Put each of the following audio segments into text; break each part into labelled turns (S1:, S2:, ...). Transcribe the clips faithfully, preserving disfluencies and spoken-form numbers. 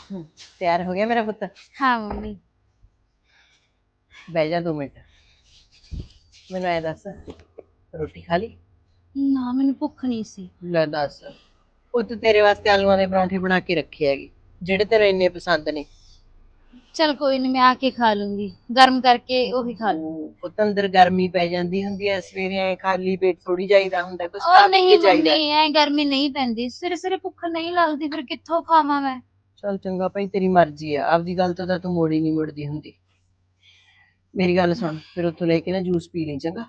S1: हम्म, तैयार हो गया मेरा पुत्र।
S2: हाँ मम्मी।
S1: बह जा दो मिनट। मैनू ऐ दस, रोटी खा ली?
S2: ना मैंने भुख नहीं सी।
S1: ਲੈ ਦੱਸ, ਪੁੱਤ ਤੇਰੇ ਵਾਸਤੇ ਆਲੂਆਂ ਦੇ ਪਰੌਂਠੇ ਬਣਾ ਕੇ ਰੱਖੇ ਹੈਗੇ, ਜਿਹੜੇ ਤੇਰੇ ਇੰਨੇ ਪਸੰਦ ਨੇ।
S2: चल कोई नहीं, मैं आके खा लूंगी, गर्म करके वही खा लूंगी।
S1: ਉਹ ਪੁੱਤ ਅੰਦਰ ਗਰਮੀ ਪੈ ਜਾਂਦੀ ਹੁੰਦੀ ਐ, ਸਵੇਰੇ ਐ ਖਾਲੀ ਪੇਟ ਥੋੜੀ ਜਾਈਦਾ ਹੁੰਦਾ, ਕੁਛ
S2: और
S1: ਖਾ ਪੀ
S2: नहीं
S1: ਕੇ
S2: मम्मी,
S1: ਜਾਈਦਾ।
S2: ऐ गर्मी नहीं पैंदी, सिरे सिरे भुख नहीं लगती, फिर कित्थों खावां मैं।
S1: ਚੱਲ ਚੰਗਾ ਭਾਈ, ਤੇਰੀ ਮਰਜ਼ੀ ਆ, ਆਪਦੀ ਗੱਲ ਤੋਂ ਤਾਂ ਤੂੰ ਮੋੜੀ ਨਹੀਂ ਮੁੜਦੀ ਹੁੰਦੀ। ਮੇਰੀ ਗੱਲ ਸੁਣ, ਫਿਰ ਉੱਥੋਂ ਲੈ ਕੇ ਨਾ ਜੂਸ ਪੀ ਲਈ ਚੰਗਾ।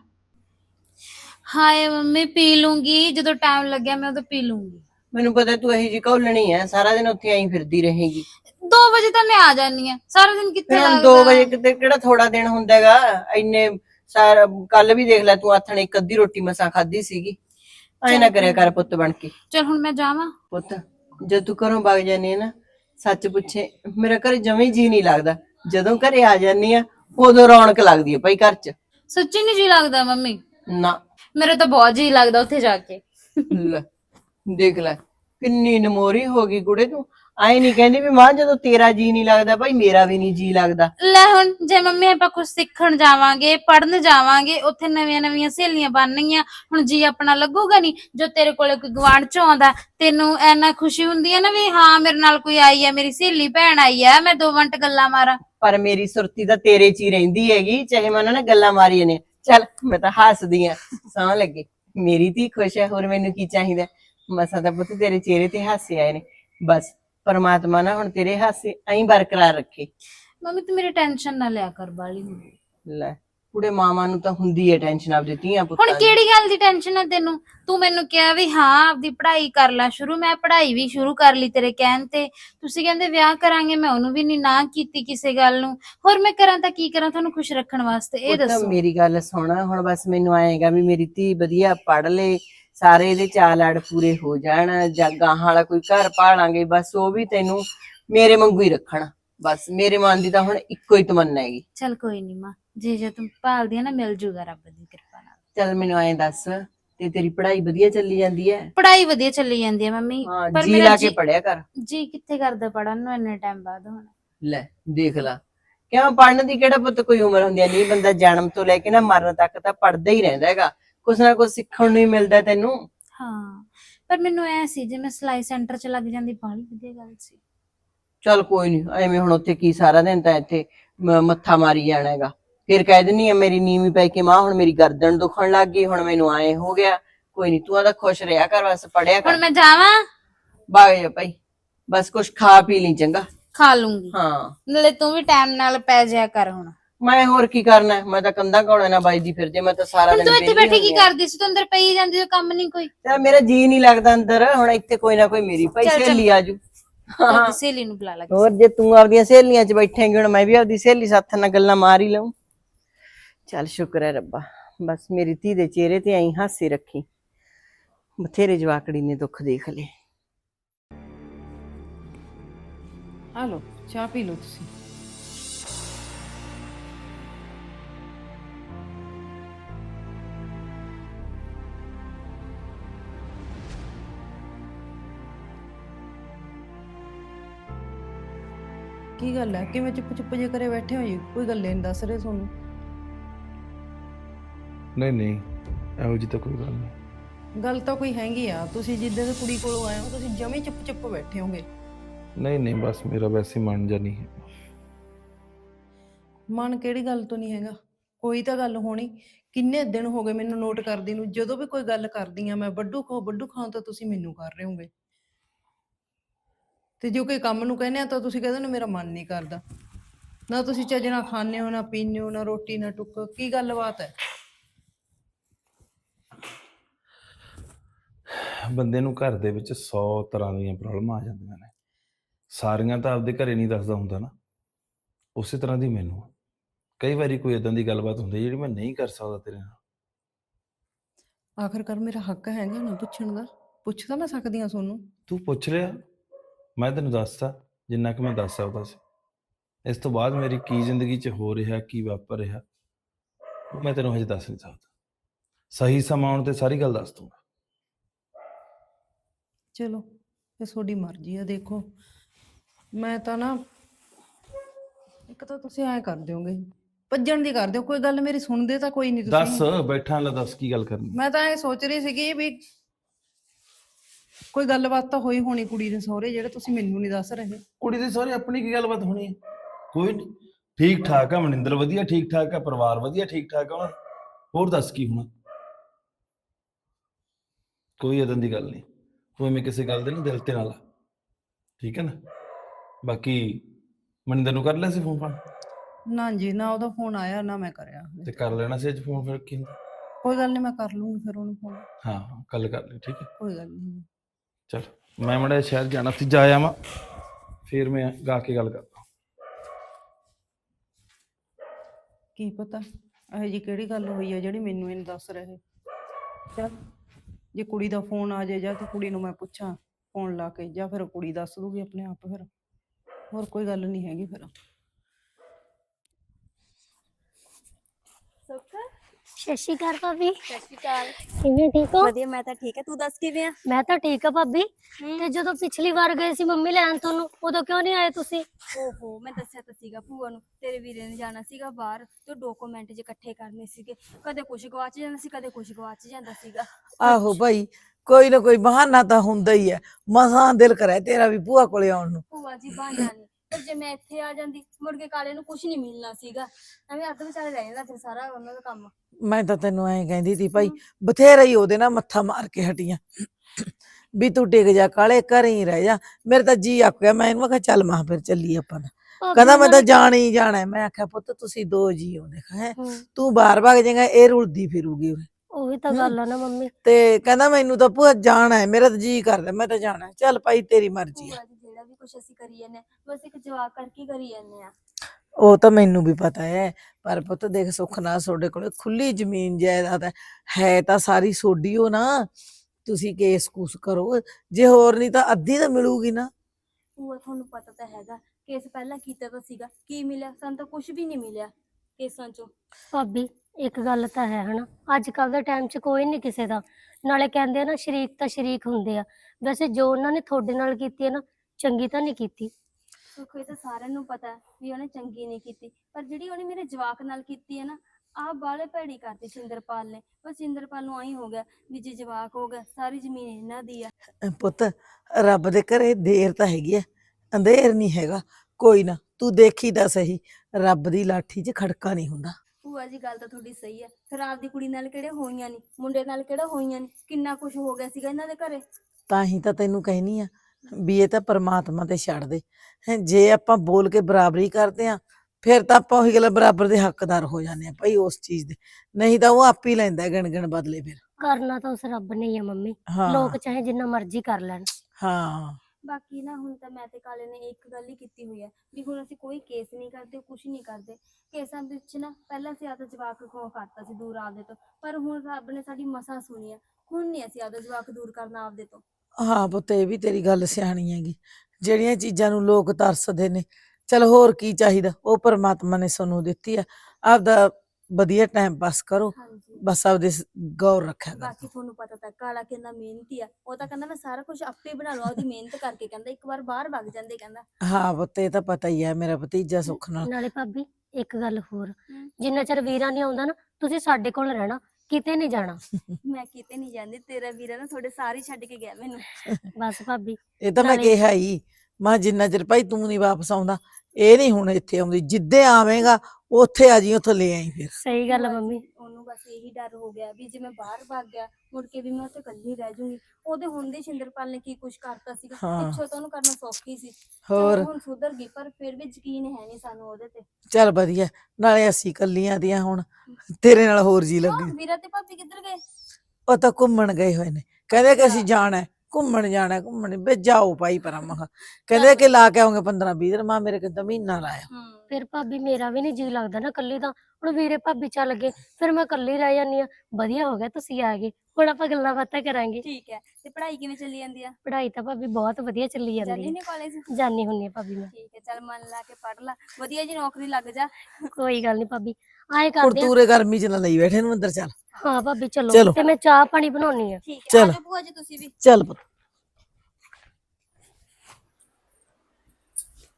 S2: हाय मम्मी, पी लूंगी जो टाइम लग गया, मैं उधर पी लूंगी।
S1: ਮੈਨੂੰ ਪਤਾ ਤੂੰ ਇਹੀ ਜਿਹੀ ਘੋਲਣੀ ਐ, ਸਾਰਾ ਦਿਨ ਉੱਥੇ ਆਈ ਫਿਰਦੀ ਰਹੇਗੀ।
S2: दो बजे तक मैं आ जानी है, सारा दिन
S1: ਫਿਰ
S2: कित्थे
S1: ਹੁਣ ਦੋ
S2: लगदा।
S1: ਵਜੇ ਕਿਤੇ ਕਿਹੜਾ ਥੋੜਾ ਦਿਨ ਹੁੰਦਾ ਹੈਗਾ, ਇੰਨੇ ਸਾਰ ਕੱਲ ਵੀ ਦੇਖ ਲੈ, ਤੂੰ ਆਥਣ ਇੱਕ ਅੱਧੀ ਰੋਟੀ ਮਸਾਂ ਖਾਧੀ ਸੀਗੀ। ਐ
S2: चल
S1: ਨਾ
S2: कोई
S1: ਕਰਿਆ ਕਰ
S2: नहीं।
S1: ਪੁੱਤ ਬਣ ਕੇ।
S2: चल हुण मैं जावां।
S1: ਪੁੱਤ ਜਦ ਤੂੰ ਘਰੋਂ ਵਗ ਜਾਂਦੀ ਹੈ ਨਾ, ਸੱਚ ਪੁੱਛੇ ਮੇਰਾ ਘਰੇ ਜਮੇ ਜੀ ਨਹੀਂ ਲੱਗਦਾ। ਜਦੋਂ ਘਰੇ ਆ ਜਾਂਦੀ ਆ ਉਦੋਂ ਰੌਣਕ ਲੱਗਦੀ ਹੈ ਭਾਈ ਘਰ ਚ।
S2: सच्ची नहीं जी लगदा मम्मी?
S1: ਨਾ
S2: मेरा तो बहुत जी लगदा उत्थे जाके।
S1: ਲੈ ਦੇਖ ਲੈ ਕਿੰਨੀ ਨਮੋਰੀ ਹੋ ਗਈ ਕੁੜੇ ਤੂੰ। ਆਏ ਨਹੀਂ ਕਹਿੰਦੀ ਵੀ ਮਾਂ ਜਦੋਂ ਤੇਰਾ ਜੀ ਨਹੀਂ ਲੱਗਦਾ ਭਾਈ ਮੇਰਾ ਵੀ ਨਹੀਂ ਜੀ ਲੱਗਦਾ।
S2: ਲੈ ਹੁਣ ਜੇ ਮੰਮੀ ਆਪਾਂ ਕੁਝ ਸਿੱਖਣ ਜਾਵਾਂਗੇ, ਪੜਨ ਜਾਵਾਂਗੇ, ਉੱਥੇ ਨਵੀਆਂ ਨਵੀਆਂ ਸਹੇਲੀਆਂ ਬਣਨਗੀਆਂ, ਹੁਣ ਜੀ ਆਪਣਾ ਲੱਗੂਗਾ ਨਹੀਂ? ਜੋ ਤੇਰੇ ਕੋਲੇ ਕੋਈ ਗਵਾਂਢ ਚੋਂ ਆਉਂਦਾ, ਤੈਨੂੰ ਐਨਾ ਖੁਸ਼ੀ ਹੁੰਦੀ ਹੈ ਨਾ ਵੀ ਹਾਂ ਮੇਰੇ ਨਾਲ ਕੋਈ ਆਈ ਹੈ, ਮੇਰੀ ਸਹੇਲੀ ਭੈਣ ਆਈ ਹੈ, ਮੈਂ ਦੋ ਮਿੰਟ ਗੱਲਾਂ ਮਾਰਾਂ।
S1: ਪਰ ਮੇਰੀ ਸੁਰਤੀ ਤਾਂ ਤੇਰੇ ਚ ਹੀ ਰਹਿੰਦੀ ਹੈਗੀ, ਚਾਹੇ ਮੈਂ ਉਹਨਾਂ ਨੇ ਗੱਲਾਂ ਮਾਰੀਆਂ ਨੇ। ਚੱਲ ਮੈਂ ਤਾਂ ਹੱਸਦੀ ਆ, ਸੌਂ ਲੱਗੇ ਮੇਰੀ ਧੀ ਖੁਸ਼ ਹੈ, ਹੋਰ ਮੈਨੂੰ ਕੀ ਚਾਹੀਦਾ। ਮਸਾਂ ਤਾਂ ਪੁੱਤ ਤੇਰੇ ਚਿਹਰੇ ਤੇ ਹਾਸੇ ਆਏ ਨੇ, ਬਸ ਪਰਮਾਤਮਾ ਨਾ ਹੁਣ ਤੇਰੇ ਹਾਸੇ ਐਂ ਬਰਕਰਾਰ ਰੱਖੇ।
S2: ਮੰਮੀ ਤੂੰ ਮੇਰੀ ਟੈਨਸ਼ਨ ਨਾ ਲਿਆ ਕਰ ਬਾਲੀ।
S1: ਲੈ ਕੁੜੇ ਮਾਵਾਂ ਨੂੰ ਤਾਂ ਹੁੰਦੀ ਹੈ ਟੈਨਸ਼ਨ ਆਪਦੇ ਧੀਆਂ
S2: ਹੁਣ
S1: ਪੁੱਤਾਂ ਦੀ।
S2: ਕਿਹੜੀ ਗੱਲ ਦੀ ਟੈਨਸ਼ਨ ਹੈ ਤੈਨੂੰ? ਤੂੰ ਮੈਨੂੰ ਕਿਹਾ ਵੀ ਹਾਂ ਆਪਦੀ ਪੜ੍ਹਾਈ ਕਰ ਲੈ ਸ਼ੁਰੂ, ਮੈਂ ਪੜ੍ਹਾਈ ਵੀ ਸ਼ੁਰੂ ਕਰ ਲਈ ਤੇਰੇ ਕਹਿਣ ਤੇ। ਤੁਸੀਂ ਕਹਿੰਦੇ ਵਿਆਹ ਕਰਾਂਗੇ, ਮੈਂ ਉਹਨੂੰ ਵੀ ਨਹੀਂ ਨਾ ਕੀਤੀ ਕਿਸੇ ਗੱਲ ਨੂੰ। ਹੋਰ ਮੈਂ ਕਰਾਂ ਤਾਂ ਕੀ ਕਰਾਂ ਤੁਹਾਨੂੰ ਖੁਸ਼ ਰੱਖਣ ਵਾਸਤੇ, ਇਹ
S1: ਪੁੱਤ
S2: ਦੱਸੋ।
S1: ਮੇਰੀ ਗੱਲ ਸੁਣ, ਹੁਣ ਬਸ ਮੈਨੂੰ ਆਏਗਾ ਵੀ ਮੇਰੀ ਧੀ ਵਧੀਆ ਪੜ੍ਹ ਲੇ, ਸਾਰੇ ਇਹਦੇ ਚਾਅ ਲਾੜ ਪੂਰੇ ਹੋ ਜਾਣ, ਜਾਂ ਗਾਹਾਂ ਵਾਲਾ ਕੋਈ ਘਰ ਭਾਲਾਂਗੇ, ਬਸ ਉਹ ਵੀ ਤੈਨੂੰ ਮੇਰੇ ਵਾਂਗੂ ਹੀ ਰੱਖਣ। ਬਸ ਮੇਰੇ ਮਨ ਦੀ ਤਾਂ ਹੁਣ ਇੱਕੋ ਹੀ ਤਮੰਨਾ ਹੈਗੀ।
S2: ਚਲ ਕੋਈ ਨਹੀਂ ਮਾਂ, ਜੇ ਜੇ ਤੂੰ ਭਾਲਦੀ ਆ ਨਾ ਮਿਲ ਜੂਗਾ ਰੱਬ ਦੀ ਕਿਰਪਾ ਨਾਲ।
S1: ਚੱਲ ਮੈਨੂੰ ਐਂ ਦੱਸ, ਤੇ ਤੇਰੀ ਪੜ੍ਹਾਈ ਵਧੀਆ ਚੱਲੀ ਜਾਂਦੀ ਹੈ?
S2: ਪੜ੍ਹਾਈ ਵਧੀਆ ਚੱਲੀ ਜਾਂਦੀ ਹੈ ਮੰਮੀ,
S1: ਹਾਂ
S2: ਪਰ
S1: ਜੀ
S2: ਮੇਰਾ
S1: ਲਾ ਕੇ
S2: ਜੀ
S1: ਪੜਿਆ ਕਰ।
S2: ਜੀ ਕਿੱਥੇ ਕਰਦਾ ਪੜਨ ਨੂੰ ਇੰਨੇ ਟਾਈਮ ਬਾਅਦ ਹੁਣ।
S1: ਲੈ ਦੇਖ ਲਾ, ਕਿਉਂ ਪੜਨ ਦੀ ਕਿਹੜਾ ਪੁੱਤ ਕੋਈ ਉਮਰ ਹੁੰਦੀ ਹੈ? ਨਹੀਂ, ਬੰਦਾ ਜਨਮ ਤੋਂ ਲੈ ਕੇ ਨਾ ਮਰਨ ਤੱਕ ਤਾਂ ਪੜਦਾ ਹੀ ਰਹਿੰਦਾ ਹੈਗਾ, ਕੁਛ ਨਾ ਕੁਛ ਸਿੱਖਣ ਨੂੰ ਹੀ ਮਿਲਦਾ ਤੈਨੂੰ।
S2: ਹਾਂ ਪਰ ਮੈਨੂੰ ਐ ਸੀ ਜੇ ਮੈਂ ਸਿਲਾਈ ਸੈਂਟਰ ਚ ਲੱਗ ਜਾਂਦੀ ਬਾਹਲੀ ਵਧੀਆ ਗੱਲ ਸੀ।
S1: ਚੱਲ ਕੋਈ ਨੀ, ਐਵੇਂ ਹੁਣ ਉੱਥੇ ਕੀ ਸਾਰਾ ਦਿਨ ਤਾਂ ਇੱਥੇ ਮ- ਮੱਥਾ ਮਾਰੀ ਜਾਣਾ ਹੈਗਾ। ਫਿਰ ਕਹਿ ਦਿੰਨੀ ਆ ਮੇਰੀ ਨੀਵੀਂ ਪੈ ਕੇ ਮਾਂ ਹੁਣ ਮੇਰੀ ਗਰਦਨ ਦੁਖਣ ਲੱਗ ਗਈ, ਹੁਣ ਮੈਨੂੰ ਆਏ ਹੋ ਗਿਆ। ਕੋਈ ਨੀ, ਤੂੰ ਆਦਾ ਖੁਸ਼ ਰਿਹਾ ਕਰ, ਬਸ ਪੜਿਆ
S2: ਹੁਣ
S1: ਕਰ।
S2: ਮੈਂ ਜਾਵਾਂ?
S1: ਬਾਗ ਜਾ ਭਾਈ, ਬਸ ਕੁਛ ਖਾ ਪੀ ਲਈ ਚੰਗਾ।
S2: ਖਾ ਲੂੰਗੀ,
S1: ਹਾਂ
S2: ਨਾਲੇ ਤੂੰ ਵੀ ਟਾਈਮ ਨਾਲ ਪੈ ਜਾਇਆ ਕਰ ਹੁਣ।
S1: ਮੈਂ ਹੋਰ ਕੀ ਕਰਨਾ ਹੈ? ਮੈਂ ਤਾਂ ਕੰਧਾਂ ਘੋੜੇ ਨਾਲ ਵੱਜਦੀ ਫਿਰਦੀ, ਮੈਂ ਤਾਂ ਸਾਰਾ
S2: ਹੁਣ
S1: ਦਿਨ
S2: ਤੂੰ ਇੱਥੇ
S1: ਵਿਹਲੀ
S2: ਬੈਠੀ ਕੀ
S1: ਹੁੰਦੀ ਆ।
S2: ਕਰਦੀ ਸੀ? ਤੂੰ ਅੰਦਰ ਪਈ ਜਾਂਦੀ ਤੇ ਕੰਮ ਨਹੀਂ ਕੋਈ?
S1: ਤੇ ਮੇਰਾ ਜੀ ਨਹੀਂ ਲੱਗਦਾ ਅੰਦਰ, ਹੁਣ ਇੱਥੇ ਕੋਈ ਨਾ ਕੋਈ ਮੇਰੀ ਭਾਈ
S2: ਚੱਲ
S1: ਸਹੇਲੀ
S2: ਚੰਗਾ,
S1: ਆਜੂ।
S2: ਆਪਣੀ ਸਹੇਲੀ ਨੂੰ ਬੁਲਾ ਲਾ
S1: ਹੋਰ
S2: ਕਿਸੇ।
S1: ਜੇ ਤੂੰ ਆਪਦੀਆਂ ਸਹੇਲੀਆਂ 'ਚ ਬੈਠੇਂਗੀ, ਹੁਣ ਮੈਂ ਵੀ ਆਪਦੀ ਸਹੇਲੀ ਸਾਥ ਨਾਲ ਗੱਲਾਂ ਮਾਰ ਹੀ ਲਊਂ। ਚੱਲ ਸ਼ੁਕਰ ਹੈ ਰੱਬਾ, ਬਸ ਮੇਰੀ ਧੀ ਦੇ ਚਿਹਰੇ ਤੇ ਐਂ ਹਾਸੇ ਰੱਖੀ। ਬਥੇਰੇ ਜਵਾਕੜੀ ਨੇ ਦੁੱਖ ਦੇਖ ਲਏ।
S3: ਆ ਲੋ ਚਾਹ ਪੀ ਲਓ ਤੁਸੀਂ। ਕੀ ਗੱਲ ਹੈ, ਕਿਵੇਂ ਚੁੱਪ ਚੁੱਪ ਜੇ ਕਰੇ ਬੈਠੇ ਹੋ ਜੀ? ਕੋਈ ਗੱਲ ਨਹੀਂ ਦੱਸ ਰਹੇ ਤੁਹਾਨੂੰ?
S4: ਨਹੀਂ ਨਹੀਂ, ਇਹੋ ਜਿਹੀ ਤਾਂ ਕੋਈ ਗੱਲ ਨਹੀਂ।
S3: ਗੱਲ ਤਾਂ ਕੋਈ ਹੈਗੀ ਆ, ਤੁਸੀਂ ਜਿੱਦਾਂ ਦੀ ਕੁੜੀ ਕੋਲੋਂ ਆਏ ਹੋ ਤੁਸੀਂ ਜਮੇ ਚੁੱਪ ਚੁੱਪ ਬੈਠੇ ਹੋਗੇ।
S4: ਨਹੀਂ ਨਹੀਂ, ਬਸ ਮੇਰਾ ਵੈਸੇ ਮਨ ਜਾ ਨਹੀਂ ਹੈ।
S3: ਮਨ ਕਿਹੜੀ ਗੱਲ ਤੋਂ ਨਹੀਂ ਹੈਗਾ? ਕੋਈ ਤਾਂ ਗੱਲ ਹੋਣੀ। ਕਿੰਨੇ ਦਿਨ ਹੋ ਗਏ ਮੈਨੂੰ ਨੋਟ ਕਰਦੀ ਨੂੰ, ਜਦੋਂ ਵੀ ਕੋਈ ਗੱਲ ਕਰਦੀ ਆ ਮੈਂ ਵੱਡੂ ਖਾਓ ਵੱਡੂ ਖਾਓ ਤਾਂ ਤੁਸੀਂ ਮੈਨੂੰ ਕਰ ਰਹੇ ਹੋਗੇ, ਤੇ ਜੋ ਕੋਈ ਕੰਮ ਨੂੰ ਕਹਿੰਦੇ ਆ ਤਾਂ ਤੁਸੀਂ ਕਹਿੰਦੇ ਹੋ ਮੇਰਾ ਮਨ ਨਹੀਂ ਕਰਦਾ। ਨਾ ਤੁਸੀਂ ਚੱਜ ਨਾਲ ਖਾਂਦੇ ਹੋ, ਨਾ ਪੀਂਦੇ ਹੋ, ਨਾ ਰੋਟੀ ਨਾ ਟੁੱਕ। ਕੀ ਗੱਲਬਾਤ ਹੈ?
S4: ਬੰਦੇ ਨੂੰ ਘਰ ਦੇ ਵਿੱਚ ਸੌ ਤਰ੍ਹਾਂ ਦੀਆਂ ਪ੍ਰੋਬਲਮਾਂ ਆ ਜਾਂਦੀਆਂ ਨੇ, ਸਾਰੀਆਂ ਤਾਂ ਆਪਦੇ ਘਰੇ ਨਹੀਂ ਦੱਸਦਾ ਹੁੰਦਾ ਨਾ। ਉਸੇ ਤਰ੍ਹਾਂ ਦੀ ਮੈਨੂੰ ਆ। ਕਈ ਵਾਰੀ ਕੋਈ ਇਦਾਂ ਦੀ ਗੱਲਬਾਤ ਹੁੰਦੀ ਜਿਹੜੀ ਮੈਂ ਨਹੀਂ ਕਰ ਸਕਦਾ ਤੇਰੇ ਨਾਲ।
S3: ਆਖਰਕਾਰ ਮੇਰਾ ਹੱਕ ਹੈਗਾ ਨਾ ਪੁੱਛਣ ਦਾ, ਪੁੱਛ ਤਾਂ ਮੈਂ ਸਕਦੀ ਹਾਂ ਤੁਹਾਨੂੰ।
S4: ਤੂੰ ਪੁੱਛ ਲਿਆ, ਮੈਂ ਤੈਨੂੰ ਦੱਸਤਾ ਜਿੰਨਾ ਕਿ ਮੈਂ ਦੱਸ ਸਕਦਾ ਸੀ। ਇਸ ਤੋਂ ਬਾਅਦ ਮੇਰੀ ਕੀ ਜ਼ਿੰਦਗੀ 'ਚ ਹੋ ਰਿਹਾ, ਕੀ ਵਾਪਰ ਰਿਹਾ, ਉਹ ਮੈਂ ਤੈਨੂੰ ਹਜੇ ਦੱਸ ਨਹੀਂ ਸਕਦਾ। ਸਹੀ ਸਮਾਂ ਆਉਣ ਤੇ ਸਾਰੀ ਗੱਲ ਦੱਸ ਦੂੰਗਾ।
S3: ਚਲੋ ਇਹ ਤੁਹਾਡੀ ਮਰਜ਼ੀ ਆ। ਦੇਖੋ ਮੈਂ ਤਾਂ ਨਾ ਇੱਕ ਤਾਂ ਤੁਸੀਂ ਐਂ ਕਰ ਦਿਓਗੇ, ਭੱਜਣ ਦੀ ਕਰ ਦਿਓ, ਕੋਈ ਗੱਲ ਮੇਰੀ ਸੁਣਦੇ ਤਾਂ ਕੋਈ ਨਹੀਂ
S4: ਦੱਸ
S3: ਤੁਸੀਂ।
S4: ਬੈਠਾ ਲੈ, ਦੱਸ ਕੀ ਗੱਲ ਕਰਨੀ।
S3: ਮੈਂ ਤਾਂ ਇਹ ਸੋਚ ਰਹੀ ਸੀਗੀ ਵੀ ਕੋਈ ਗੱਲਬਾਤ ਤਾਂ ਹੋਈ ਹੋਣੀ ਕੁੜੀ ਦੇ ਸਹੁਰੇ, ਜਿਹੜੇ ਤੁਸੀਂ ਮੈਨੂੰ ਨਹੀਂ ਦੱਸ ਰਹੇ।
S4: ਕੁੜੀ ਦੇ ਸਹੁਰੇ ਆਪਣੀ ਕੀ ਗੱਲਬਾਤ ਹੋਣੀ ਹੈ? ਕੋਈ ਨਹੀਂ, ਠੀਕ ਠਾਕ ਆ ਮਨਿੰਦਰ, ਵਧੀਆ ਠੀਕ ਠਾਕ ਆ, ਪਰਿਵਾਰ ਵਧੀਆ ਠੀਕ ਠਾਕ ਆ ਉਹਨਾਂ ਦਾ। ਹੋਰ ਦੱਸ ਕੀ ਹੋਣਾ? ਕੋਈ ਏਦਾਂ ਦੀ ਗੱਲ ਨਹੀਂ, ਤੂੰ ਐਵੇਂ ਕਿਸੇ ਗੱਲ ਦੇ ਨਾ ਦਿਲ ਤੇ ਨਾ ਲਾ, ਠੀਕ ਹੈ ਨਾ। ਬਾਕੀ ਮਨਿੰਦਰ ਨੂੰ ਕਰ ਲਿਆ ਸੀ ਫੋਨ ਫਾਨ?
S3: ਨਾ ਜੀ ਨਾ, ਉਹਦਾ ਫੋਨ ਆਇਆ ਨਾ ਮੈਂ ਕਰਿਆ।
S4: ਤੇ ਕਰ ਲੈਣਾ ਸੀ ਅੱਜ ਫੋਨ, ਫਿਰ ਕੀ ਹੁੰਦਾ।
S3: ਕੋਈ ਗੱਲ ਨਹੀਂ, ਮੈਂ ਕਰ ਲੂੰਗੀ ਫਿਰ ਉਹਨੂੰ ਫੋਨ।
S4: ਹਾਂ ਹਾਂ, ਕੱਲ ਕਰ ਲਈ, ਠੀਕ ਹੈ।
S3: ਕੋਈ ਗੱਲ ਨਹੀਂ।
S4: ਚਲ ਮੈਂ ਮਾੜਾ ਜਿਹਾ ਸ਼ਹਿਰ ਜਾਣਾ ਸੀ, ਜਾ ਆਵਾਂ, ਫਿਰ ਮੈਂ ਗਾ ਕੇ ਗੱਲ ਕਰਦਾ।
S3: ਕੀ ਪਤਾ ਇਹੋ ਜੀ ਕਿਹੜੀ ਗੱਲ ਹੋਈ ਹੈ ਜਿਹੜੀ ਮੈਨੂੰ ਇਹ ਨੀ ਦੱਸ ਰਹੇ। ਚੱਲ ਜੇ ਕੁੜੀ ਦਾ ਫੋਨ ਆ ਜਾਏ, ਜਾਂ ਤੇ ਕੁੜੀ ਨੂੰ ਮੈਂ ਪੁੱਛਾਂ ਫੋਨ ਲਾ ਕੇ, ਜਾਂ ਫਿਰ ਕੁੜੀ ਦੱਸ ਦੂਗੀ ਆਪਣੇ ਆਪ। ਫਿਰ ਹੋਰ ਕੋਈ ਗੱਲ ਨਹੀਂ ਹੈਗੀ ਫਿਰ।
S5: ਸੁੱਖ,
S6: ਸਤਿ ਸ਼੍ਰੀ ਅਕਾਲ ਭਾਬੀ।
S5: ਸਤਿ ਸ਼੍ਰੀ ਅਕਾਲ।
S6: ਕਿਵੇਂ ਠੀਕ ਹੋ?
S5: ਵਧੀਆ, ਮੈਂ ਤਾਂ ਠੀਕ ਹੈ, ਤੂੰ ਦੱਸ ਕਿਵੇਂ ਆ?
S6: ਮੈਂ ਤਾਂ ਠੀਕ ਆ ਭਾਬੀ। ਤੇ ਜਦੋਂ ਪਿਛਲੀ ਵਾਰ ਗਏ ਸੀ ਮੰਮੀ ਲੈਣ ਤੁਹਾਨੂੰ, ਉਦੋਂ ਕਿਉਂ ਨਹੀਂ ਆਏ ਤੁਸੀਂ?
S5: ਓਹੋ, ਮੈਂ ਦੱਸਿਆ ਤਾਂ ਸੀਗਾ ਭੂਆ ਨੂੰ, ਤੇਰੇ ਵੀਰੇ ਨੇ ਜਾਣਾ ਸੀਗਾ ਬਾਹਰ, ਤੇ ਡਾਕੂਮੈਂਟ ਜੇ ਇਕੱਠੇ ਕਰਨੇ ਸੀਗੇ। ਕਦੇ ਕੁਝ ਗਵਾਚ ਜਾਂਦਾ ਸੀ, ਕਦੇ ਕੁਝ ਗਵਾਚ ਜਾਂਦਾ ਸੀਗਾ।
S7: ਆਹੋ ਭਾਈ, ਕੋਈ ਨਾ ਕੋਈ ਬਹਾਨਾ ਤਾਂ ਹੁੰਦਾ ਹੀ ਹੈ। ਮਸਾਂ ਦਿਲ ਕਰੇ ਤੇਰਾ ਵੀ ਭੂਆ ਕੋਲੇ ਆਉਣ ਨੂੰ।
S5: ਭੂਆ ਜੀ ਬਹਾਨਾ ਨਹੀਂ, ਪਰ ਜੇ ਮੈਂ ਇੱਥੇ ਆ ਜਾਂਦੀ ਮੁੜ ਕੇ ਕਾਲੇ ਨੂੰ ਕੁਝ ਨਹੀਂ ਮਿਲਣਾ ਸੀਗਾ, ਐਵੇਂ ਅੱਧ ਵਿਚਾਲੇ ਰਹਿ ਜਾਂਦਾ ਫਿਰ ਸਾਰਾ ਉਹਨਾਂ ਦਾ ਕੰਮ।
S7: ਮੈਂ ਤਾਂ ਤੈਨੂੰ ਐਂ ਕਹਿੰਦੀ ਸੀ ਭਾਈ, ਬਥੇਰਾ ਹੀ ਉਹਦੇ ਨਾਲ ਮੱਥਾ ਮਾਰ ਕੇ ਹਟੀਆਂ ਵੀ ਤੂੰ ਟਿਕ ਜਾ ਕਾਲੇ, ਘਰੇ ਹੀ ਰਹਿ ਜਾ। ਮੇਰੇ ਤਾਂ ਜੀ ਆਖਿਆ, ਮੈਂ ਇਹਨੂੰ ਆਖਿਆ ਚੱਲ ਮਾਂ ਫਿਰ ਚੱਲੀਏ ਆਪਾਂ।
S6: ਭਾਬੀ
S7: ਕਹਿੰਦਾ ਮੈਂ
S6: ਉਹਨਾਂ
S7: ਤਾਂ
S6: ਨੇ-
S7: ਜਾਣਾ ਹੀ ਜਾਣਾ ਹੈ। ਮੈਂ ਆਖਿਆ ਪੁੱਤ ਤੁਸੀਂ ਦੋ ਜੀ ਹੋ, ਦੇਖ ਹੈ
S6: ਹੂੰ,
S7: ਤੂੰ ਬਾਹਰ ਭੱਗ ਜਾਏਗਾ, ਇਹ ਰੁਲਦੀ ਫਿਰੂਗੀ ਉਰੇ।
S6: ਉਹੀ ਤਾਂ ਗੱਲ ਆ ਨਾ ਮੰਮੀ।
S7: ਤੇ ਕਹਿੰਦਾ ਮੈਨੂੰ ਤਾਂ ਭੂਆ ਜਾਣਾ ਹੈ, ਮੇਰਾ ਤਾਂ ਜੀ ਕਰਦਾ, ਮੈਂ ਤਾਂ ਜਾਣਾ। ਚੱਲ ਭਾਈ ਤੇਰੀ ਮਰਜ਼ੀ ਆ।
S5: ਭੂਆ ਜੀ ਜਿਹੜਾ ਵੀ ਕੁਝ ਅਸੀਂ ਕਰੀ ਜਾਂਦੇ ਆ, ਬਸ ਇੱਕ ਜਵਾਬ ਕਰਕੇ ਹੀ ਕਰੀ ਜਾਂਦੇ ਆ।
S7: ਉਹ ਤਾਂ ਮੈਨੂੰ ਵੀ ਪਤਾ ਹੈ, ਪਰ ਪੁੱਤ ਦੇਖ ਸੁੱਖ ਨਾਲ ਤੁਹਾਡੇ ਕੋਲੇ ਖੁੱਲੀ ਜ਼ਮੀਨ ਜਾਇਦਾਦ ਹੈ, ਹੈ ਤਾਂ ਸਾਰੀ ਸੋਡੀ ਹੋ ਨਾ। ਤੁਸੀਂ ਕੇਸ ਕੂਸ ਕਰੋ, ਜੇ ਹੋਰ ਨਹੀਂ ਤਾਂ ਅੱਧੀ ਤਾਂ ਮਿਲੂਗੀ ਨਾ।
S5: ਭੂਆ ਤੁਹਾਨੂੰ ਪਤਾ ਤਾਂ ਹੈਗਾ, ਕੇਸ ਪਹਿਲਾਂ ਕੀਤਾ ਤਾਂ ਸੀਗਾ, ਕੀ ਮਿਲਿਆ? ਸਾਨੂੰ ਤਾਂ ਕੁਝ ਵੀ ਨਹੀਂ ਮਿਲਿਆ ਕੇਸਾਂ ਚੋਂ।
S6: ਭਾਬੀ ਇੱਕ ਗੱਲ ਤਾਂ ਹੈ ਹਨਾ, ਅੱਜ ਕੱਲ ਦੇ ਟਾਈਮ 'ਚ ਕੋਈ ਨਹੀਂ ਕਿਸੇ ਦਾ। ਨਾਲੇ ਕਹਿੰਦੇ ਆ ਨਾ, ਸ਼ਰੀਕ ਤਾਂ ਸ਼ਰੀਕ ਹੁੰਦੇ ਆ। ਵੈਸੇ ਜੋ ਉਹਨਾਂ ਨੇ ਤੁਹਾਡੇ ਨਾਲ ਕੀਤੀ ਹੈ ਨਾ, ਚੰਗੀ ਤਾਂ ਨਹੀਂ ਕੀਤੀ।
S5: ਸੁੱਖ, ਇਹ ਤਾਂ ਸਾਰਿਆਂ ਨੂੰ ਪਤਾ ਹੈ ਵੀ ਉਹਨੇ ਚੰਗੀ ਨਹੀਂ ਕੀਤੀ, ਪਰ ਜਿਹੜੀ ਉਹਨੇ ਮੇਰੇ ਜਵਾਕ ਨਾਲ ਕੀਤੀ ਹੈ ਨਾ, ਆਹ ਬਾਲੇ ਭੈੜੀ ਕਰਤੀ ਸਿੰਦਰਪਾਲ ਨੇ। ਬਸ ਸਿੰਦਰਪਾਲ ਨੂੰ ਆਈ ਹੋ ਗਿਆ ਵੀ ਜੇ ਜਵਾਕ ਹੋ ਗਿਆ ਸਾਰੀ ਜ਼ਮੀਨ ਇਹਨਾਂ ਦੀ ਆ।
S7: ਪੁੱਤ ਰੱਬ ਦੇ ਘਰੇ ਦੇਰ ਤਾਂ ਹੈਗੀ ਐ, ਅੰਧੇਰ ਨਹੀਂ ਹੈਗਾ। ਕੋਈ ਨਾ, ਤੂੰ ਦੇਖੀ ਤਾਂ ਸਹੀ, ਰੱਬ ਦੀ ਲਾਠੀ 'ਚ ਖੜਕਾ ਨਹੀਂ ਹੁੰਦਾ।
S5: ਭੂਆ ਜੀ ਗੱਲ ਤਾਂ ਤੁਹਾਡੀ ਸਹੀ ਹੈ, ਫਿਰ ਆਪਦੀ ਕੁੜੀ ਨਾਲ ਕਿਹੜੇ ਹੋਈਆਂ ਨਹੀਂ, ਮੁੰਡੇ ਨਾਲ ਕਿਹੜਾ ਹੋਈਆਂ ਨਹੀਂ, ਕਿੰਨਾ ਕੁਝ ਹੋ ਗਿਆ ਸੀਗਾ ਇਹਨਾਂ ਦੇ ਘਰੇ।
S7: ਤਾਂ ਹੀ ਤਾਂ ਤੈਨੂੰ ਕਹਿਨੀ ਆ ਵੀ ਇਹ ਤਾਂ ਪਰਮਾਤਮਾ ਤੇ ਛੱਡ ਦੇ। ਹੈਂ, ਜੇ ਆਪਾਂ ਬੋਲ ਕੇ ਬਰਾਬਰੀ ਕਰਦੇ ਆ, ਫਿਰ ਤਾਂ ਆਪਾਂ ਉਹੀ ਗੱਲ ਬਰਾਬਰ ਦੇ ਹੱਕਦਾਰ ਹੋ ਜਾਂਦੇ ਆ ਭਾਈ ਉਸ ਚੀਜ਼ ਦੇ। ਨਹੀਂ ਤਾਂ ਉਹ ਆਪ ਹੀ ਲੈਂਦਾ ਗਿਣ ਗਿਣ ਬਦਲੇ। ਫਿਰ
S6: ਕਰਨਾ ਤਾਂ ਉਸ ਰੱਬ ਨੇ ਹੀ ਆ ਮੰਮੀ।
S7: ਹਾਂ
S6: ਲੋਕ ਚਾਹੇ ਜਿੰਨਾ ਮਰਜ਼ੀ ਕਰ ਲੈਣ।
S7: ਹਾਂ
S5: ਬਾਕੀ ਨਾ ਹੁਣ ਤਾਂ ਮੈਂ ਤੇ ਕਾਲੇ ਨੇ ਇੱਕ ਗੱਲ ਹੀ ਕੀਤੀ ਹੋਈ ਹੈ ਵੀ ਹੁਣ ਅਸੀਂ ਕੋਈ ਕੇਸ ਨਹੀਂ ਕਰਦੇ, ਕੁਝ ਨਹੀਂ ਕਰਦੇ। ਕੇਸਾਂ ਦੇ ਵਿੱਚ ਨਾ ਪਹਿਲਾਂ ਅਸੀਂ ਆਪਦਾ ਜਵਾਕ ਖੋ ਕਰਤਾ ਸੀ ਦੂਰ ਆਪਦੇ ਤੋਂ, ਪਰ ਹੁਣ ਰੱਬ ਨੇ ਸਾਡੀ ਮਸਾਂ ਸੁਣੀ ਆ। ਹੁਣ ਨਹੀਂ ਅਸੀਂ ਆਪਦਾ ਜਵਾਕ ਦੂਰ ਕਰਨਾ ਆਪਦੇ ਤੋਂ।
S7: ਹਾਂ ਪੁੱਤ, ਇਹ ਵੀ ਤੇਰੀ ਗੱਲ ਸਿਆਣੀ ਹੈਗੀ। ਜਿਹੜੀਆਂ ਚੀਜ਼ਾਂ ਨੂੰ ਲੋਕ ਤਰਸਦੇ ਨੇ, ਚਲ ਹੋਰ ਕੀ ਚਾਹੀਦਾ, ਉਹ ਪਰਮਾਤਮਾ ਨੇ ਸਾਨੂੰ ਦਿੱਤੀ ਆ। ਆਪਦਾ ਵਧੀਆ ਟਾਈਮ ਪਾਸ ਕਰੋ,
S5: ਹਾਂਜੀ,
S7: ਬਸ ਆਪਦੇ ਸ- ਗੌਰ ਰੱਖਿਆ ਕਰ।
S5: ਬਾਕੀ ਤੁਹਾਨੂੰ ਪਤਾ ਤਾਂ ਕਾਲਾ ਕਿੰਨਾ ਮਿਹਨਤੀ ਆ। ਉਹ ਤਾਂ ਕਹਿੰਦਾ ਮੈਂ ਸਾਰਾ ਕੁਝ ਆਪੇ ਬਣਾ ਲਵਾਂ ਉਹਦੀ ਮਿਹਨਤ ਕਰਕੇ। ਕਹਿੰਦਾ ਇੱਕ ਵਾਰ ਬਾਹਰ ਵਗ ਜਾਂਦੇ ਕਹਿੰਦਾ।
S7: ਹਾਂ ਪੁੱਤ, ਇਹ ਤਾਂ ਪਤਾ ਹੀ ਹੈ, ਮੇਰਾ ਭਤੀਜਾ ਸੁੱਖ ਨਾਲ।
S6: ਨਾਲੇ ਭਾਬੀ ਇੱਕ ਗੱਲ ਹੋਰ,
S5: ਹਮ।
S6: ਜਿੰਨਾ ਚਿਰ ਵੀਰਾ ਨਹੀਂ ਆਉਂਦਾ ਨਾ, ਤੁਸੀਂ ਸਾਡੇ ਕੋਲ ਰਹਿਣਾ, ਕਿਤੇ ਨਹੀਂ ਜਾਣਾ।
S5: ਮੈਂ ਕਿਤੇ ਨਹੀਂ ਜਾਂਦੀ, ਤੇਰਾ ਵੀਰਾ ਨਾ ਤੁਹਾਡੇ ਸਾਰੇ ਛੱਡ ਕੇ ਗਿਆ ਮੈਨੂੰ।
S6: ਬਸ ਭਾਬੀ।
S7: ਇਹ ਤਾਂ ਮੈਂ
S6: ਨਾਲੇ-
S7: ਕਿਹਾ ਹੀ, ਮੈਂ ਜਿੰਨਾ ਚਿਰ ਭਾਈ ਤੂੰ ਨਹੀਂ ਵਾਪਸ ਆਉਂਦਾ, ਇਹ ਨਹੀਂ ਹੁਣ ਇੱਥੇ ਆਉਂਦੀ। ਜਿੱਦੇ ਆਵੇਂਗਾ ਉੱਥੇ ਆ ਜੀ, ਉੱਥੋਂ ਲੈ ਆਈ ਫਿਰ।
S6: ਸਹੀ ਗੱਲ ਆ ਮੰਮੀ।
S5: ਉਹਨੂੰ ਬਸ ਇਹੀ ਡਰ ਹੋ ਗਿਆ ਵੀ ਜੇ ਮੈਂ ਬਾਹਰ ਭੱਗ ਗਿਆ ਮੁੜ ਕੇ ਵੀ ਮੈਂ ਉੱਥੇ ਇਕੱਲੀ ਰਹਿ ਜਾਊਂਗੀ। ਉਹਦੇ ਹੁੰਦੇ ਸਿੰਦਰਪਾਲ ਨੇ ਕੀ ਕੁਝ ਕਰਤਾ ਸੀਗਾ,
S7: ਹਾਂ।
S5: ਪਿੱਛੋਂ ਤਾਂ ਉਹਨੂੰ ਕਰਨਾ ਸੌਖੀ ਸੀ।
S7: ਹੋਰ
S5: ਚਲੋ ਹੁਣ ਸੁਧਰ ਗਈ, ਪਰ ਫਿਰ ਵੀ ਯਕੀਨ ਹੈ ਨਹੀਂ ਸਾਨੂੰ ਉਹਦੇ ਤੇ।
S7: ਚੱਲ ਵਧੀਆ, ਨਾਲੇ ਅਸੀਂ ਕੱਲੀਆਂ ਦੀਆਂ ਹੁਣ, ਤੇਰੇ ਨਾਲ ਹੋਰ ਜੀ
S5: ਹਾਂ,
S7: ਲੱਗੇ।
S5: ਵੀਰਾ ਤੇ ਭਾਬੀ ਕਿੱਧਰ ਗਏ?
S7: ਉਹ ਤਾਂ ਘੁੰਮਣ ਗਏ ਹੋਏ ਨੇ, ਕਹਿੰਦੇ ਕਿ ਅਸੀਂ ਜਾਣਾ ਹੈ, ਘੁੰਮਣ ਜਾਣਾ ਹੈ, ਘੁੰਮਣ। ਵੇ ਜਾਓ ਭਾਈ ਪਰਾਂ ਮਖਾ, ਕਹਿੰਦੇ ਕਿ ਲਾ ਕੇ ਆਉਂਗੇ ਪੰਦਰਾਂ ਵੀਹ ਦਿਨ। ਮਾਂ ਮੇਰੇ ਕਿਤੇ ਮਹੀਨਾ ਲਾਇਆ।
S5: ਹੂੰ,
S6: ਫਿਰ ਭਾਬੀ ਮੇਰਾ ਵੀ ਨਹੀਂ ਜੀ ਲੱਗਦਾ ਨਾ ਕੱਲੀ ਦਾ। ਹੁਣ ਵੀਰੇ ਭਾਬੀ ਚੱਲ ਗਏ, ਫਿਰ ਮੈਂ ਕੱਲੀ ਰਹਿ ਜਾਂਦੀ ਆ। ਵਧੀਆ ਹੋ ਗਿਆ ਤੁਸੀਂ ਆ ਗਏ, ਹੁਣ ਆਪਾਂ ਗੱਲਾਂ ਬਾਤਾਂ ਕਰਾਂਗੇ।
S5: ਠੀਕ ਹੈ। ਤੇ ਪੜ੍ਹਾਈ ਕਿਵੇਂ ਚੱਲੀ ਜਾਂਦੀ ਆ?
S6: ਪੜ੍ਹਾਈ ਤਾਂ ਭਾਬੀ ਬਹੁਤ ਵਧੀਆ ਚੱਲੀ
S5: ਜਾਂਦੀ
S6: ਜਾਂਦੀ
S5: ਨੇ ਕਾਲਜ?
S6: ਹੈ। ਜਾਨੀ ਹੁੰਨੀ ਆ ਭਾਬੀ ਮੈਂ।
S5: ਠੀਕ ਹੈ, ਚੱਲ ਮਨ ਲਾ ਕੇ ਪੜ੍ਹ ਲੈ, ਵਧੀਆ ਜੀ ਨੌਕਰੀ ਲੱਗ ਜਾ।
S6: ਕੋਈ ਗੱਲ ਨਹੀਂ ਭਾਬੀ, ਆਏ
S7: ਹੁਣ
S6: ਕਰਦੇ ਆ।
S7: ਤੂਰੇ ਗਰਮੀ ਚ ਨਾ ਲਈ ਬੈਠੇ ਨੂੰ ਅੰਦਰ। ਚੱਲ
S6: ਹਾਂ ਭਾਬੀ ਚਲੋ,
S7: ਚਲੋ।
S6: ਤੇ ਮੈਂ ਚਾਹ ਪਾਣੀ ਬਣਾਉਣੀ ਆ।
S5: ਠੀਕ ਹੈ,
S7: ਚੱਲ।
S5: ਆ ਜਾਓ ਭੂਆ ਜੀ ਤੁਸੀਂ ਵੀ।
S7: ਚੱਲ ਪੁੱਤ।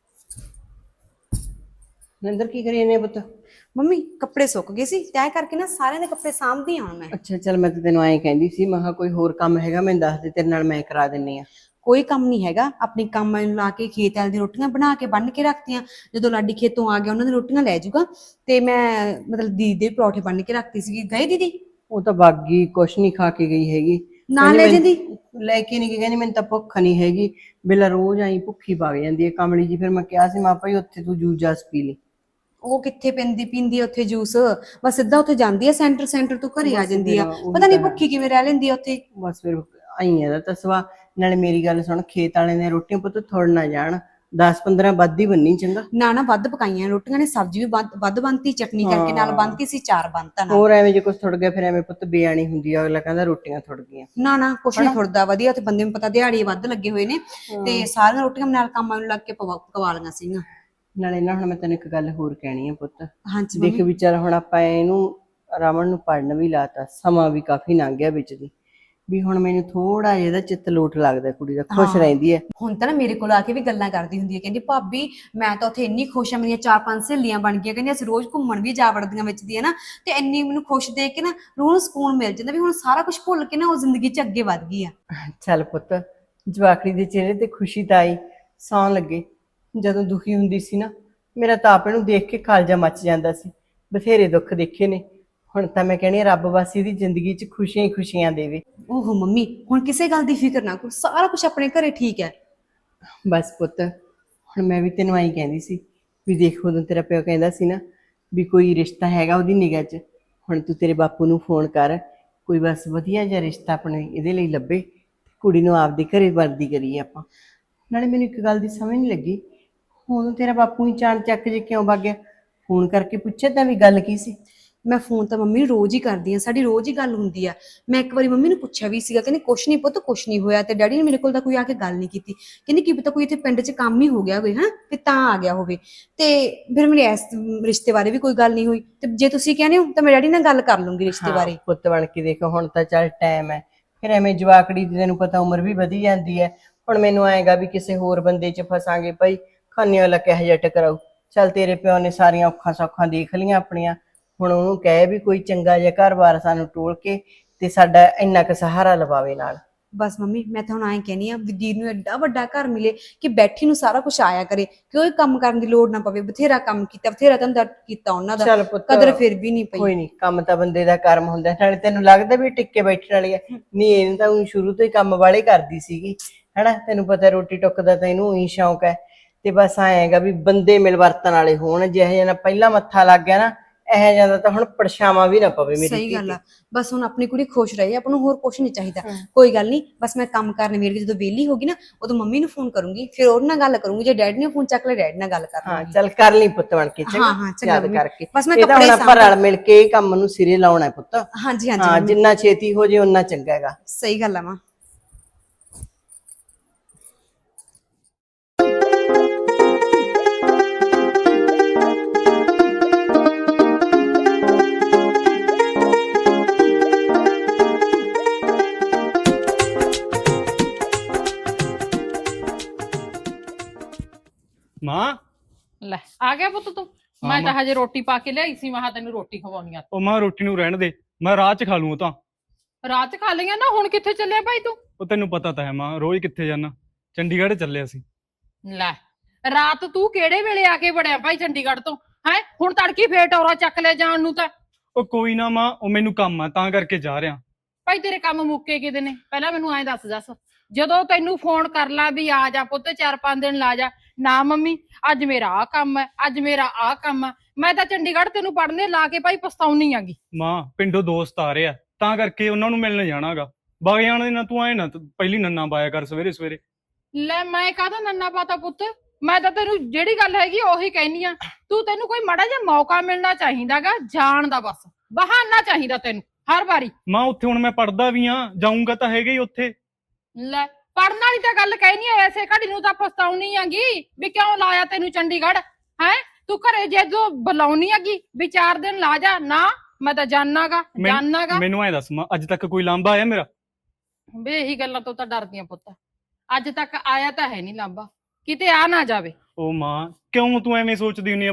S1: ਨਿੰਦਰ ਕੀ ਕਰੀ ਇਹਨੇ ਪੁੱਤ?
S8: ਮੰਮੀ ਕੱਪੜੇ ਸੁੱਕ ਗਏ ਸੀ ਤੈਅ ਕਰਕੇ ਨਾ ਸਾਰਿਆਂ ਦੇ ਕੱਪੜੇ ਸਾਂਭਦੀ ਹਾਂ ਮੈਂ।
S1: ਅੱਛਾ ਚੱਲ, ਮੈਂ ਤਾਂ ਤੈਨੂੰ ਐਂ ਕਹਿੰਦੀ ਸੀ, ਮੈਂ ਕਿਹਾ ਕੋਈ ਹੋਰ ਕੰਮ ਹੈਗਾ ਮੈਨੂੰ ਦੱਸ ਦੇ, ਤੇਰੇ ਨਾਲ ਮੈਂ ਕਰਾ ਦਿੰਨੀ ਆ।
S8: ਕੋਈ ਕੰਮ ਨਹੀਂ ਹੈਗਾ, ਆਪਣੀ ਕੰਮ ਨੂੰ ਲਾ ਕੇ ਖੇਤ ਵਾਲੇ ਦੀ ਰੋਟੀਆਂ ਬਣਾ ਕੇ ਬੰਨ ਕੇ ਰੱਖਤੀਆਂ। ਜਦੋਂ ਲਾਡੀ ਖੇਤੋਂ ਆ ਗਿਆ ਉਹਨਾਂ ਦੀ ਰੋਟੀਆਂ ਲੈ ਜਾਊਗਾ। ਤੇ ਮੈਂ ਮਤਲਬ ਦੀਦੀ ਦੇ ਪਰੌਠੇ ਬੰਨ ਕੇ ਰੱਖਤੀ ਸੀਗੀ। ਗਏ ਦੀਦੀ?
S1: ਉਹ ਤਾਂ ਬਾਗੀ ਕੁਛ ਨਹੀਂ ਖਾ ਕੇ ਗਈ ਹੈਗੀ।
S8: ਨਾਲ ਲੈ
S1: ਕਹਿੰਦੀ
S8: ਜਾਂਦੀ।
S1: ਮੈਨੂੰ- ਲੈ ਕੇ ਨਹੀਂ ਗਈ, ਕਹਿੰਦੀ ਮੈਨੂੰ ਤਾਂ ਭੁੱਖ ਨਹੀਂ ਹੈਗੀ, ਬਿਲਾ ਰੋਜ਼ ਆਈ ਭੁੱਖੀ ਵਗ ਜਾਂਦੀ ਹੈ ਕਮਲੀ ਜੀ। ਫਿਰ ਮੈਂ ਕਿਹਾ ਸੀ, ਮਾਂ ਭਾਈ ਉੱਥੇ ਤੂੰ ਜੂਸ ਜਾਸ ਪੀ ਲਈ।
S8: ਉਹ ਕਿੱਥੇ ਪੈਂਦੀ ਪੀਂਦੀ ਆ ਉੱਥੇ ਜੂਸ, ਬਸ ਸਿੱਧਾ ਉੱਥੇ ਜਾਂਦੀ ਆ ਸੈਂਟਰ ਸੈਂਟਰ ਤੋਂ ਘਰੇ ਆ
S1: ਬਸ
S8: ਜਾਂਦੀ ਆ।
S1: ਫਿਰ ਉਹੀ
S8: ਪਤਾ ਨਹੀਂ
S1: ਤਾਂ ਹੈ।
S8: ਭੁੱਖੀ ਕਿਵੇਂ ਰਹਿ ਲੈਂਦੀ ਆ ਉੱਥੇ।
S1: ਬਸ ਫਿਰ ਆਈ ਆ ਦਾ ਤਸਵਾ। ਨਾਲੇ ਮੇਰੀ ਗੱਲ ਸੁਣ, ਖੇਤ ਵਾਲੇ ਨੇ ਰੋਟੀਆਂ ਪੁੱਤ ਥੋੜ ਨਾ ਜਾਣ, ਦਸ ਪੰਦਰਾਂ ਵੱਧ ਹੀ ਬੰਨੀ ਚੰਗਾ।
S8: ਨਾ ਨਾ ਵੱਧ ਪਕਾਈਆਂ ਰੋਟੀਆਂ ਨੇ, ਸਬਜ਼ੀ ਵੀ ਵੱਧ ਵੱਧ ਬਣਤੀ, ਚਟਨੀ ਕਰਕੇ ਨਾਲ ਬਣਤੀ ਸੀ, ਚਾਰ ਬਣਤਾ ਨਾਲ।
S1: ਹੋਰ ਐਵੇਂ ਜੇ ਕੁਛ ਥੁੜ ਗਿਆ ਫਿਰ ਐਵੇਂ ਪੁੱਤ ਬੇਆਣੀ ਹੁੰਦੀ ਆ, ਅਗਲਾ ਕਹਿੰਦਾ ਰੋਟੀਆਂ ਥੁੜ ਗਈਆਂ।
S8: ਨਾ ਨਾ ਕੁਛ ਨਹੀਂ ਥੁੜਦਾ, ਵਧੀਆ। ਉੱਥੇ ਬੰਦੇ ਨੂੰ ਪਤਾ ਦਿਹਾੜੀ ਵੱਧ ਲੱਗੇ ਹੋਏ ਨੇ ਤੇ ਸਾਰੀਆਂ ਰੋਟੀਆਂ ਨਾਲ ਕੰਮਾਂ ਨੂੰ ਲੱਗ ਕੇ ਪਵਾ ਪਕਵਾ ਲਈਆਂ ਸੀਗੀਆਂ।
S1: ਨਾਲੇ ਨਾ ਹੁਣ ਮੈਂ ਤੈਨੂੰ ਇੱਕ ਗੱਲ ਹੋਰ ਕਹਿਣੀ ਆ ਪੁੱਤ।
S8: ਹਾਂਜੀ
S1: ਦੇਖ
S8: ਮੰਮੀ।
S1: ਵਿਚਾਰ ਹੁਣ ਆਪਾਂ ਇਹਨੂੰ ਰਮਨ ਨੂੰ ਪੜਨ ਵੀ ਲਾਤਾ, ਸਮਾਂ ਵੀ ਕਾਫੀ ਲੰਘ ਗਿਆ ਵਿੱਚ ਦੀ, ਵੀ ਹੁਣ ਮੈਨੂੰ ਥੋੜਾ ਜਿਹਾ ਇਹਦਾ ਚਿੱਤ ਲੋਟ ਲੱਗਦਾ, ਕੁੜੀ ਦਾ ਖੁਸ਼
S8: ਹਾਂ।
S1: ਰਹਿੰਦੀ ਹੈ।
S8: ਹੁਣ ਤਾਂ ਨਾ ਮੇਰੇ ਕੋਲ ਆ ਕੇ ਵੀ ਗੱਲਾਂ ਕਰਦੀ ਹੁੰਦੀ ਹੈ, ਕਹਿੰਦੀ ਭਾਬੀ ਮੈਂ ਤਾਂ ਉੱਥੇ ਇੰਨੀ ਖੁਸ਼ ਆ, ਮੇਰੀਆਂ ਚਾਰ ਪੰਜ ਸਹੇਲੀਆਂ ਬਣ ਗਈਆਂ, ਕਹਿੰਦੀ ਅਸੀਂ ਰੋਜ਼ ਘੁੰਮਣ ਵੀ ਜਾ ਵੜਦੀਆਂ ਵਿੱਚ ਦੀ ਹੈ ਨਾ। ਤੇ ਇੰਨੀ ਮੈਨੂੰ ਖੁਸ਼ ਦੇਖ ਕੇ ਨਾ ਰੂਹ ਨੂੰ ਸਕੂਨ ਮਿਲ ਜਾਂਦਾ ਵੀ ਹੁਣ ਸਾਰਾ ਕੁਝ ਭੁੱਲ ਕੇ ਨਾ ਉਹ ਜ਼ਿੰਦਗੀ 'ਚ ਅੱਗੇ ਵਧ ਗਈ ਆ।
S1: ਚੱਲ ਪੁੱਤ, ਜਵਾਕੜੀ ਦੇ ਚਿਹਰੇ ਤੇ ਖੁਸ਼ੀ ਤਾਂ ਆਈ, ਸੌਣ ਲੱਗੇ। ਜਦੋਂ ਦੁਖੀ ਹੁੰਦੀ ਸੀ ਨਾ, ਮੇਰਾ ਤਾਂ ਆਪ ਇਹਨੂੰ ਦੇਖ ਕੇ ਕਾਲਜਾ ਮੱਚ ਜਾਂਦਾ ਸੀ। ਬਥੇਰੇ ਦੁੱਖ ਦੇਖੇ ਨੇ, ਹੁਣ ਤਾਂ ਮੈਂ ਕਹਿੰਦੀ ਹਾਂ ਰੱਬ ਬਸ ਇਹਦੀ ਜ਼ਿੰਦਗੀ 'ਚ ਖੁਸ਼ੀਆਂ ਹੀ ਖੁਸ਼ੀਆਂ ਦੇਵੇ।
S8: ਓਹੋ ਮੰਮੀ, ਹੁਣ ਕਿਸੇ ਗੱਲ ਦੀ ਫਿਕਰ ਨਾ ਕਰੋ, ਸਾਰਾ ਕੁਝ ਆਪਣੇ ਘਰੇ ਠੀਕ ਹੈ।
S1: ਬਸ ਪੁੱਤ, ਹੁਣ ਮੈਂ ਵੀ ਤੈਨੂੰ ਆਈ ਕਹਿੰਦੀ ਸੀ ਵੀ ਦੇਖ, ਉਦੋਂ ਤੇਰਾ ਪਿਓ ਕਹਿੰਦਾ ਸੀ ਨਾ ਵੀ ਕੋਈ ਰਿਸ਼ਤਾ ਹੈਗਾ ਉਹਦੀ ਨਿਗਾਹ 'ਚ, ਹੁਣ ਤੂੰ ਤੇਰੇ ਬਾਪੂ ਨੂੰ ਫੋਨ ਕਰ, ਕੋਈ ਬਸ ਵਧੀਆ ਜਿਹਾ ਰਿਸ਼ਤਾ ਆਪਣੇ ਇਹਦੇ ਲਈ ਲੱਭੇ, ਕੁੜੀ ਨੂੰ ਆਪਦੇ ਘਰੇ ਵਰਦੀ ਕਰੀਏ ਆਪਾਂ। ਨਾਲੇ ਮੈਨੂੰ ਇੱਕ ਗੱਲ ਦੀ ਸਮਝ ਨਹੀਂ ਲੱਗੀ, ਉਦੋਂ ਤੇਰਾ ਬਾਪੂ ਹੀ ਚਾਣ ਚੱਕ ਜੇ ਕਿਉਂ ਵਗ ਗਿਆ? ਫੋਨ ਕਰਕੇ ਪੁੱਛਿਆ ਤਾਂ ਵੀ ਗੱਲ ਕੀ ਸੀ?
S8: ਮੈਂ ਫੋਨ ਤਾਂ ਮੰਮੀ ਨੂੰ ਰੋਜ਼ ਹੀ ਕਰਦੀ ਆ, ਸਾਡੀ ਰੋਜ਼ ਹੀ ਗੱਲ ਹੁੰਦੀ ਆ। ਮੈਂ ਇੱਕ ਵਾਰੀ ਮੰਮੀ ਨੂੰ ਪੁੱਛਿਆ ਵੀ ਸੀਗਾ, ਕਹਿੰਦੀ ਕੁਛ ਨਹੀਂ ਪੁੱਤ, ਕੁਛ ਨਹੀਂ ਹੋਇਆ। ਤੇ ਡੈਡੀ ਨੇ ਮੇਰੇ ਕੋਲ ਤਾਂ ਕੋਈ ਆ ਕੇ ਗੱਲ ਨਹੀਂ ਕੀਤੀ, ਕਹਿੰਦੀ ਕੀ ਪਤਾ ਕੋਈ ਇੱਥੇ ਪਿੰਡ 'ਚ ਕੰਮ ਹੀ ਹੋ ਗਿਆ ਹੋਵੇ ਹਨਾ, ਤੇ ਤਾਂ ਆ ਗਿਆ ਹੋਵੇ। ਤੇ ਫਿਰ ਮੇਰੇ ਇਸ ਰਿਸ਼ਤੇ ਬਾਰੇ ਵੀ ਕੋਈ ਗੱਲ ਨਹੀਂ ਹੋਈ। ਤੇ ਜੇ ਤੁਸੀਂ ਕਹਿੰਦੇ ਹੋ ਤਾਂ ਮੈਂ ਡੈਡੀ ਨਾਲ ਗੱਲ ਕਰ ਲੂੰਗੀ ਰਿਸ਼ਤੇ ਬਾਰੇ।
S1: ਹਾਂ, ਪੁੱਤ ਬਣ ਕੇ ਦੇਖੋ, ਹੁਣ ਤਾਂ ਚੱਲ ਟਾਈਮ ਹੈ, ਫਿਰ ਐਵੇਂ ਜਵਾਕੜੀ ਦੀ ਤੈਨੂੰ ਪਤਾ ਉਮਰ ਵੀ ਵਧੀ ਜਾਂਦੀ ਹੈ। ਹੁਣ ਮੈਨੂੰ ਆਏਗਾ ਵੀ ਕਿਸੇ ਹੋਰ ਬੰਦੇ 'ਚ ਫਸਾਂਗੇ ਭਾਈ, ਖਾਨੇ ਵਾਲਾ ਕਿਹੋ ਜਿਹਾ ਟਕਰਾਊ। ਚੱਲ ਤੇਰੇ ਪਿਓ ਨੇ ਸਾਰੀਆਂ ਔਖਾਂ ਸੌਖਾਂ ਦੇਖ ਲਈਆਂ ਆਪਣੀਆਂ, ਹੁਣ ਉਹਨੂੰ ਕਹੇ ਵੀ ਕੋਈ ਚੰਗਾ ਜਿਹਾ ਘਰ-ਬਾਰ ਸਾਨੂੰ ਟੋਲ ਕੇ ਤੇ ਸਾਡਾ ਇੰਨਾ ਕੁ ਸਹਾਰਾ ਲਵਾਵੇ ਨਾਲ।
S8: ਬਸ ਮੰਮੀ, ਮੈਂ ਤਾਂ ਹੁਣ ਐਂ ਕਹਿੰਦੀ ਆ, ਵੀਰ ਨੂੰ ਐਡਾ ਵੱਡਾ ਘਰ ਮਿਲੇ ਕਿ ਬੈਠੀ ਨੂੰ ਸਾਰਾ ਕੁਝ ਆਇਆ ਕਰੇ, ਕੋਈ ਕੰਮ ਕਰਨ ਦੀ ਲੋੜ ਨਾ ਪਵੇ। ਬਥੇਰਾ ਕੰਮ ਕੀਤਾ, ਬਥੇਰਾ ਧੰਦਾ ਕੀਤਾ ਉਹਨਾਂ ਦਾ,
S1: ਚੱਲ ਪੁੱਤ,
S8: ਕਦਰ ਫਿਰ ਵੀ ਨਹੀਂ ਪਈ।
S1: ਕੋਈ ਨਹੀਂ, ਕੰਮ ਤਾਂ ਬੰਦੇ ਦਾ ਕਰਮ ਹੁੰਦਾ। ਨਾਲੇ ਤੈਨੂੰ ਲੱਗਦਾ ਵੀ ਟਿੱਕੇ ਬੈਠਣ ਵਾਲੀ ਹੈ? ਨਹੀਂ, ਇਹਨੂੰ ਤਾਂ ਊਂ ਸ਼ੁਰੂ ਤੋਂ ਹੀ ਕੰਮ ਵਾਲੇ ਕਰਦੀ ਸੀਗੀ ਹਨਾ, ਤੈਨੂੰ ਪਤਾ ਰੋਟੀ ਟੁੱਕ ਦਾ ਤਾਂ ਇਹਨੂੰ ਹੀ ਸ਼ੌਂਕ ਹੈ। ਤੇ ਬਸ ਆਏਗਾ ਵੀ ਬੰਦੇ ਮਿਲ ਵਰਤਣ ਵਾਲੇ ਹੋਣ, ਜਿਹੋ ਜਿਹਾ ਨਾ ਪਹਿਲਾਂ ਮੱਥਾ ਲੱਗ ਗਿਆ ਨਾ, ਇਹੋ ਜਿਹਾ ਦਾ ਤਾਂ ਹੁਣ ਪਰਛਾਵਾਂ ਵੀ ਨਾ ਪਵੇ ਮੇਰੀ
S8: ਸਹੀ
S1: ਧੀ
S8: ਗੱਲ
S1: ਤੇ।
S8: ਆ, ਬਸ ਹੁਣ ਆਪਣੀ ਕੁੜੀ ਖੁਸ਼ ਰਹੇ, ਆਪਾਂ ਨੂੰ ਹੋਰ ਕੁਝ ਨਹੀਂ ਚਾਹੀਦਾ। ਕੋਈ ਗੱਲ ਨਹੀਂ, ਬਸ ਮੈਂ ਕੰਮ ਕਰਨ ਵੇਲੇ ਜਦੋਂ ਵਿਹਲੀ ਹੋ ਗਈ ਨਾ, ਉਦੋਂ ਮੰਮੀ ਨੂੰ ਫੋਨ ਕਰੂੰਗੀ, ਫਿਰ ਉਹਦੇ ਨਾਲ ਗੱਲ ਕਰੂੰਗੀ। ਜੇ ਡੈਡੀ ਨੇ ਫੋਨ ਚੱਕ ਲਿਆ, ਡੈਡੀ ਨਾਲ ਗੱਲ ਕਰ
S1: ਹਾਂ
S8: ਲੂੰਗੀ।
S1: ਚੱਲ ਕਰ ਲਈ ਪੁੱਤ ਬਣ ਕੇ, ਚੰਗਾ
S8: ਹਾਂ, ਹਾਂ, ਚੰਗਾ
S1: ਯਾਦ
S8: ਮੰਮੀ।
S1: ਕਰਕੇ।
S8: ਬਸ ਮੈਂ
S1: ਇਹ ਤਾਂ
S8: ਕੱਪੜੇ
S1: ਹੁਣ ਆਪਾਂ
S8: ਸਾਂਭ-
S1: ਰਲ ਮਿਲ ਕੇ ਇਹ ਕੰਮ ਨੂੰ ਸਿਰੇ ਲਾਉਣਾ ਹੈ ਪੁੱਤ।
S8: ਹਾਂਜੀ ਹਾਂਜੀ
S1: ਹਾਂ,
S8: ਮੰਮੀ,
S1: ਜਿੰਨਾ ਛੇਤੀ ਹੋ ਜੇ ਓਨਾ ਚੰਗਾ ਹੈਗਾ।
S8: ਸਹੀ ਗੱਲ ਆ ਮਾਂ।
S9: ਮਾਂ,
S10: ਲੈ ਆ ਗਿਆ ਪੁੱਤ ਤੂੰ।
S9: ਹਾਂ
S10: ਮੈਂ ਤਾਂ
S9: ਮਾਂ।
S10: ਹਜੇ ਰੋਟੀ ਪਾ ਕੇ ਲਿਆਈ ਸੀ, ਮੈਂ ਕਿਹਾ ਤੈਨੂੰ ਰੋਟੀ ਖਵਾਉਣੀ ਆ।
S9: ਉਹ ਮਾਂ ਰੋਟੀ ਨੂੰ ਰਹਿਣ ਦੇ, ਮੈਂ ਰਾਹ 'ਚ ਖਾ ਲੂੰ ਉਹ ਤਾਂ।
S10: ਰਾਤ ਖਾ ਲਈਆਂ ਨਾ, ਹੁਣ ਕਿੱਥੇ ਚੱਲਿਆ ਭਾਈ ਤੂੰ?
S9: ਉਹ ਤੈਨੂੰ ਪਤਾ ਤਾਂ ਹੈ ਮਾਂ, ਰੋਜ਼ ਕਿੱਥੇ ਜਾਣਾ, ਚੰਡੀਗੜ੍ਹ ਚੱਲਿਆ ਸੀ।
S10: ਲੈ, ਰਾਤ ਤੂੰ ਕਿਹੜੇ ਵੇਲੇ ਆ ਕੇ ਵੜਿਆ ਭਾਈ ਚੰਡੀਗੜ੍ਹ ਤੋਂ? ਹੈ ਹੁਣ ਤੜਕੀ ਫੇਰ ਟੌਰਾ ਚੱਕ ਲੈ ਜਾਣ ਨੂੰ ਤਾਂ।
S9: ਉਹ ਕੋਈ ਨਾ ਮਾਂ, ਉਹ ਮੈਨੂੰ ਕੰਮ ਆ ਤਾਂ ਕਰਕੇ ਜਾ ਰਿਹਾ।
S10: ਭਾਈ ਤੇਰੇ ਕੰਮ ਮੁੱਕੇ ਕਿਤੇ ਨੇ? ਪਹਿਲਾਂ ਮੈਨੂੰ ਐਂ ਦੱਸ ਦੱਸ, ਜਦੋਂ ਤੈਨੂੰ ਫੋਨ ਕਰ ਲਾ ਵੀ ਆ ਜਾ ਪੁੱਤ ਚਾਰ ਪੰਜ ਦਿਨ ਲਾ ਜਾ, ਨਾ ਮੰਮੀ ਅੱਜ ਮੇਰਾ ਆਹ ਕੰਮ ਹੈ, ਅੱਜ ਮੇਰਾ ਆਹ ਕੰਮ ਹੈ, ਮੈਂ ਤਾਂ ਚੰਡੀਗੜ੍ਹ ਤੈਨੂੰ ਪੜ੍ਹਨੇ ਲਾ ਕੇ ਭਾਈ ਪਛਤਾਉਣੀ ਆਂਗੀ।
S9: ਮਾਂ ਪਿੰਡੋਂ ਦੋਸਤ ਆ ਰਹੇ ਆ ਤਾਂ ਕਰਕੇ ਉਹਨਾਂ ਨੂੰ ਮਿਲਣ ਜਾਣਾਗਾ। ਵਗ ਜਾਣ ਦੇ ਨਾ, ਤੂੰ ਆਏ ਨਾ ਪਹਿਲੀ ਨੰਨਾ ਪਾਇਆ ਕਰ ਸਵੇਰੇ ਸਵੇਰੇ।
S10: ਲੈ ਮੈਂ ਕਾਹਦਾ ਨੰਨਾ ਪਾਤਾ ਪੁੱਤ, ਮੈਂ ਤਾਂ ਤੈਨੂੰ ਜਿਹੜੀ ਗੱਲ ਹੈਗੀ ਉਹੀ ਕਹਿਨੀ ਆ। ਤੂੰ ਤੈਨੂੰ ਕੋਈ ਮਾੜਾ ਜਿਹਾ ਮੌਕਾ ਮਿਲਣਾ ਚਾਹੀਦਾਗਾ ਜਾਣ ਦਾ, ਬਸ ਬਹਾਨਾ ਚਾਹੀਦਾ ਤੈਨੂੰ ਹਰ ਵਾਰੀ।
S9: ਮਾਂ ਉੱਥੇ ਹੁਣ ਮੈਂ ਪੜਦਾ ਵੀ ਆ, ਜਾਊਂਗਾ ਤਾਂ ਹੈਗਾ ਹੀ ਉੱਥੇ।
S10: ਲੈ ਪੜਨ ਵਾਲੀ ਤਾਂ ਗੱਲ ਕਹਿਨੀ ਆ, ਐਸੇ ਘੜੀ ਨੂੰ ਤਾਂ ਪਛਤਾਉਣੀ ਆਂਗੀ ਵੀ ਕਿਉਂ ਲਾਇਆ ਤੈਨੂੰ ਚੰਡੀਗੜ੍ਹ। ਹੈ ਤੂੰ ਘਰੇ ਜਦੋਂ ਬੁਲਾਉਣੀ ਆਗੀ ਵੀ ਚਾਰ ਦਿਨ ਲਾ ਜਾ, ਨਾ ਮੈਂ ਤਾਂ ਜਾਣਾਗਾ
S9: ਮੈਂ-
S10: ਜਾਣਾਗਾ।
S9: ਮੈਨੂੰ ਐ ਦੱਸ ਮਾਂ, ਅੱਜ ਤੱਕ ਕੋਈ ਲਾਂਭਾ ਆਇਆ ਮੇਰਾ?
S10: ਵੇ ਇਹੀ ਗੱਲਾਂ ਤੋਂ ਤਾਂ ਡਰਦੀਆਂ ਪੁੱਤ, ਅੱਜ ਤੱਕ ਆਇਆ ਤਾਂ ਹੈ ਨਹੀਂ ਲਾਂਬਾ, ਕਿਤੇ ਆ ਨਾ ਜਾਵੇ।
S9: ਉਹ ਮਾਂ ਕਿਉਂ ਤੂੰ ਐਵੇਂ ਸੋਚਦੀ ਹੁੰਨੀ ਆ ਬਾਲਾ?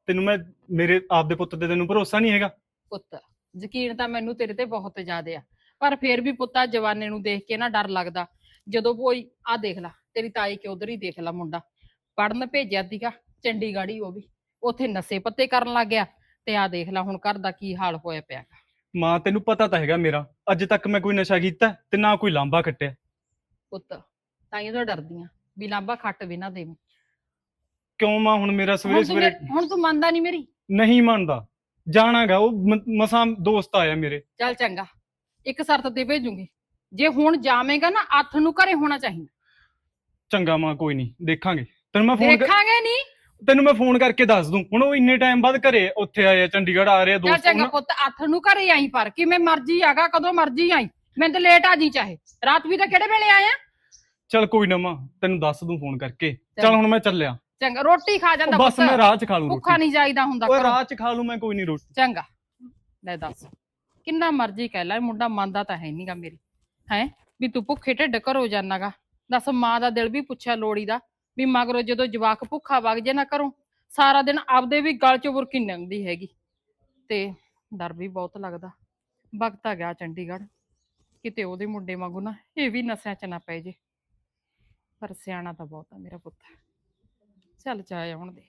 S9: ਤੈਨੂੰ ਮੈਂ ਮੇਰੇ ਆਪਦੇ ਪੁੱਤ ਤੇ ਤੈਨੂੰ ਭਰੋਸਾ ਨਹੀਂ ਹੈਗਾ?
S10: ਪੁੱਤ ਯਕੀਨ ਤਾਂ ਮੈਨੂੰ ਤੇਰੇ ਤੇ ਬਹੁਤ ਜ਼ਿਆਦਾ ਆ, ਪਰ ਫੇਰ ਵੀ ਪੁੱਤਾ ਜਵਾਨੇ ਨੂੰ ਦੇਖ ਕੇ ਨਾ ਡਰ ਲੱਗਦਾ। ਜਦੋਂ ਕੋਈ ਆ ਦੇਖ ਲਾ ਤੇਰੀ ਤਾਈ ਕਿ ਉਧਰ ਹੀ ਦੇਖ ਲਾ, ਮੁੰਡਾ ਪੜਨ ਭੇਜਿਆ ਸੀਗਾ ਚੰਡੀਗੜ੍ਹ ਹੀ, ਉਹ ਵੀ ਉੱਥੇ ਨਸ਼ੇ ਪੱਤੇ ਕਰਨ ਲੱਗ ਗਿਆ ਤੇ ਆ ਦੇਖ ਲਾ ਹੁਣ ਘਰ ਦਾ ਕੀ ਹਾਲ ਹੋਇਆ ਪਿਆ।
S9: ਮਾਂ ਤੈਨੂੰ ਪਤਾ ਤਾਂ ਹੈਗਾ ਮੇਰਾ, ਅੱਜ ਤੱਕ ਮੈਂ ਕੋਈ ਨਸ਼ਾ ਕੀਤਾ ਤੇ ਨਾ ਕੋਈ ਲਾਂਭਾ ਕੱਟਿਆ।
S10: ਪੁੱਤ ਤਾਈਆਂ ਤੋਂ ਡਰਦੀ ਆ ਵੀ ਲਾਂਭਾ ਖੱਟ ਵੀ ਨਾ ਦੇਵੇਂ।
S9: ਕਿਉਂ ਮਾਂ? ਹੁਣ ਮੇਰਾ ਸਵੇਰੇ
S10: ਹੁਣ ਤੂੰ
S9: ਸਵੇਰੇ
S10: ਮੇ- ਹੁਣ ਤੂੰ ਮੰਨਦਾ ਨਹੀਂ ਮੇਰੀ?
S9: ਨਹੀਂ ਮੰਨਦਾ, ਜਾਣਾਗਾ ਉਹ ਮ- ਮਸਾਂ ਦੋਸਤ ਆਇਆ ਮੇਰੇ।
S10: ਚੱਲ ਚੰਗਾ, ਇੱਕ ਸ਼ਰਤ ਤੇ ਭੇਜੂਗੀ, ਜੇ ਹੁਣ ਜਾਵੇਂਗਾ ਨਾ ਅੱਠ ਨੂੰ ਘਰੇ ਹੋਣਾ ਚਾਹੀਦਾ।
S9: ਚੰਗਾ ਮਾਂ, ਕੋਈ ਨਹੀਂ, ਦੇਖਾਂਗੇ। ਤੈਨੂੰ ਮੈਂ ਫੋਨ
S10: ਦੇਖਾਂਗੇ ਨਹੀਂ?
S9: ਤੈਨੂੰ ਮੈਂ ਫੋਨ ਕਰਕੇ ਦੱਸ ਦੂੰ। ਹੁਣ ਉਹ ਇੰਨੇ ਟਾਈਮ ਬਾਅਦ ਘਰੇ ਉੱਥੇ ਆਏ ਆ, ਚੰਡੀਗੜ੍ਹ ਆ ਰਹੇ ਆ
S10: ਚੱਲ
S9: ਦੋਸਤ।
S10: ਚੰਗਾ
S9: ਉਹਨਾਂ-
S10: ਪੁੱਤ, ਅੱਠ ਨੂੰ ਘਰੇ ਆਈ, ਪਰ ਕਿਵੇਂ ਮਰਜੀ ਆਗਾ, ਕਦੋਂ ਮਰਜੀ ਆਈ, ਮੈਨੂੰ ਤਾਂ ਲੇਟ ਆ ਜੀ, ਚਾਹੇ ਰਾਤ ਵੀ ਤਾਂ ਕਿਹੜੇ ਵੇਲੇ ਆਇਆ।
S9: ਚੱਲ ਕੋਈ ਨਾ ਮਾਂ, ਤੈਨੂੰ ਦੱਸ ਦੂੰ ਫੋਨ ਕਰਕੇ। ਚੱਲ
S10: ਚੱਲ।
S9: ਹੁਣ ਮੈਂ ਚੱਲਿਆ।
S10: ਚੰਗਾ, ਰੋਟੀ ਖਾ ਜਾਂਦਾ
S9: ਉਹ ਬਸ
S10: ਪੁੱਤ,
S9: ਮੈਂ ਰਾਹ ਚ ਖਾ ਲੂੰ
S10: ਭੁੱਖਾ
S9: ਰੋਟੀ।
S10: ਨਹੀਂ ਜਾਈਦਾ ਹੁੰਦਾ
S9: ਓਏ
S10: ਘਰੋਂ।
S9: ਰਾਹ ਚ ਖਾ ਲੂੰ ਮੈਂ, ਕੋਈ ਨਹੀਂ ਰੋਟੀ।
S10: ਚੰਗਾ ਲੈ ਦੱਸ, ਕਿੰਨਾ ਮਰਜੀ ਕਹਿ ਲੈ, ਮੁੰਡਾ ਮੰਨਦਾ ਤਾਂ ਹੈ ਨਹੀਂਗਾ ਮੇਰੀ, ਹੈ ਵੀ ਤੂੰ ਭੁੱਖੇ ਢਿੱਡ ਘਰੋਂ ਜਾਨਾਗਾ। ਦੱਸ, ਮਾਂ ਦਾ ਦਿਲ ਵੀ ਪੁੱਛਿਆ ਲੋੜੀ ਦਾ ਵੀ ਮਗਰੋਂ ਜਦੋਂ ਜਵਾਕ ਭੁੱਖਾ ਵਗ ਜੇ ਨਾ ਘਰੋਂ, ਸਾਰਾ ਦਿਨ ਆਪਦੇ ਵੀ ਗਲ ਚ ਬੁਰਕੀ ਲੰਘਦੀ ਹੈਗੀ, ਤੇ ਡਰ ਵੀ ਬਹੁਤ ਲੱਗਦਾ। ਵਕਤ ਆ ਗਿਆ ਚੰਡੀਗੜ੍ਹ, ਕਿਤੇ ਉਹਦੇ ਮੁੰਡੇ ਵਾਂਗੂ ਨਾ ਇਹ ਵੀ ਨਸ਼ਿਆਂ ਚ ਨਾ ਪੈ ਜੇ। ਪਰ ਸਿਆਣਾ ਤਾਂ ਬਹੁਤ ਆ ਮੇਰਾ ਪੁੱਤ, ਚੱਲ ਚਾਹੇ ਆਉਣ ਦੇ।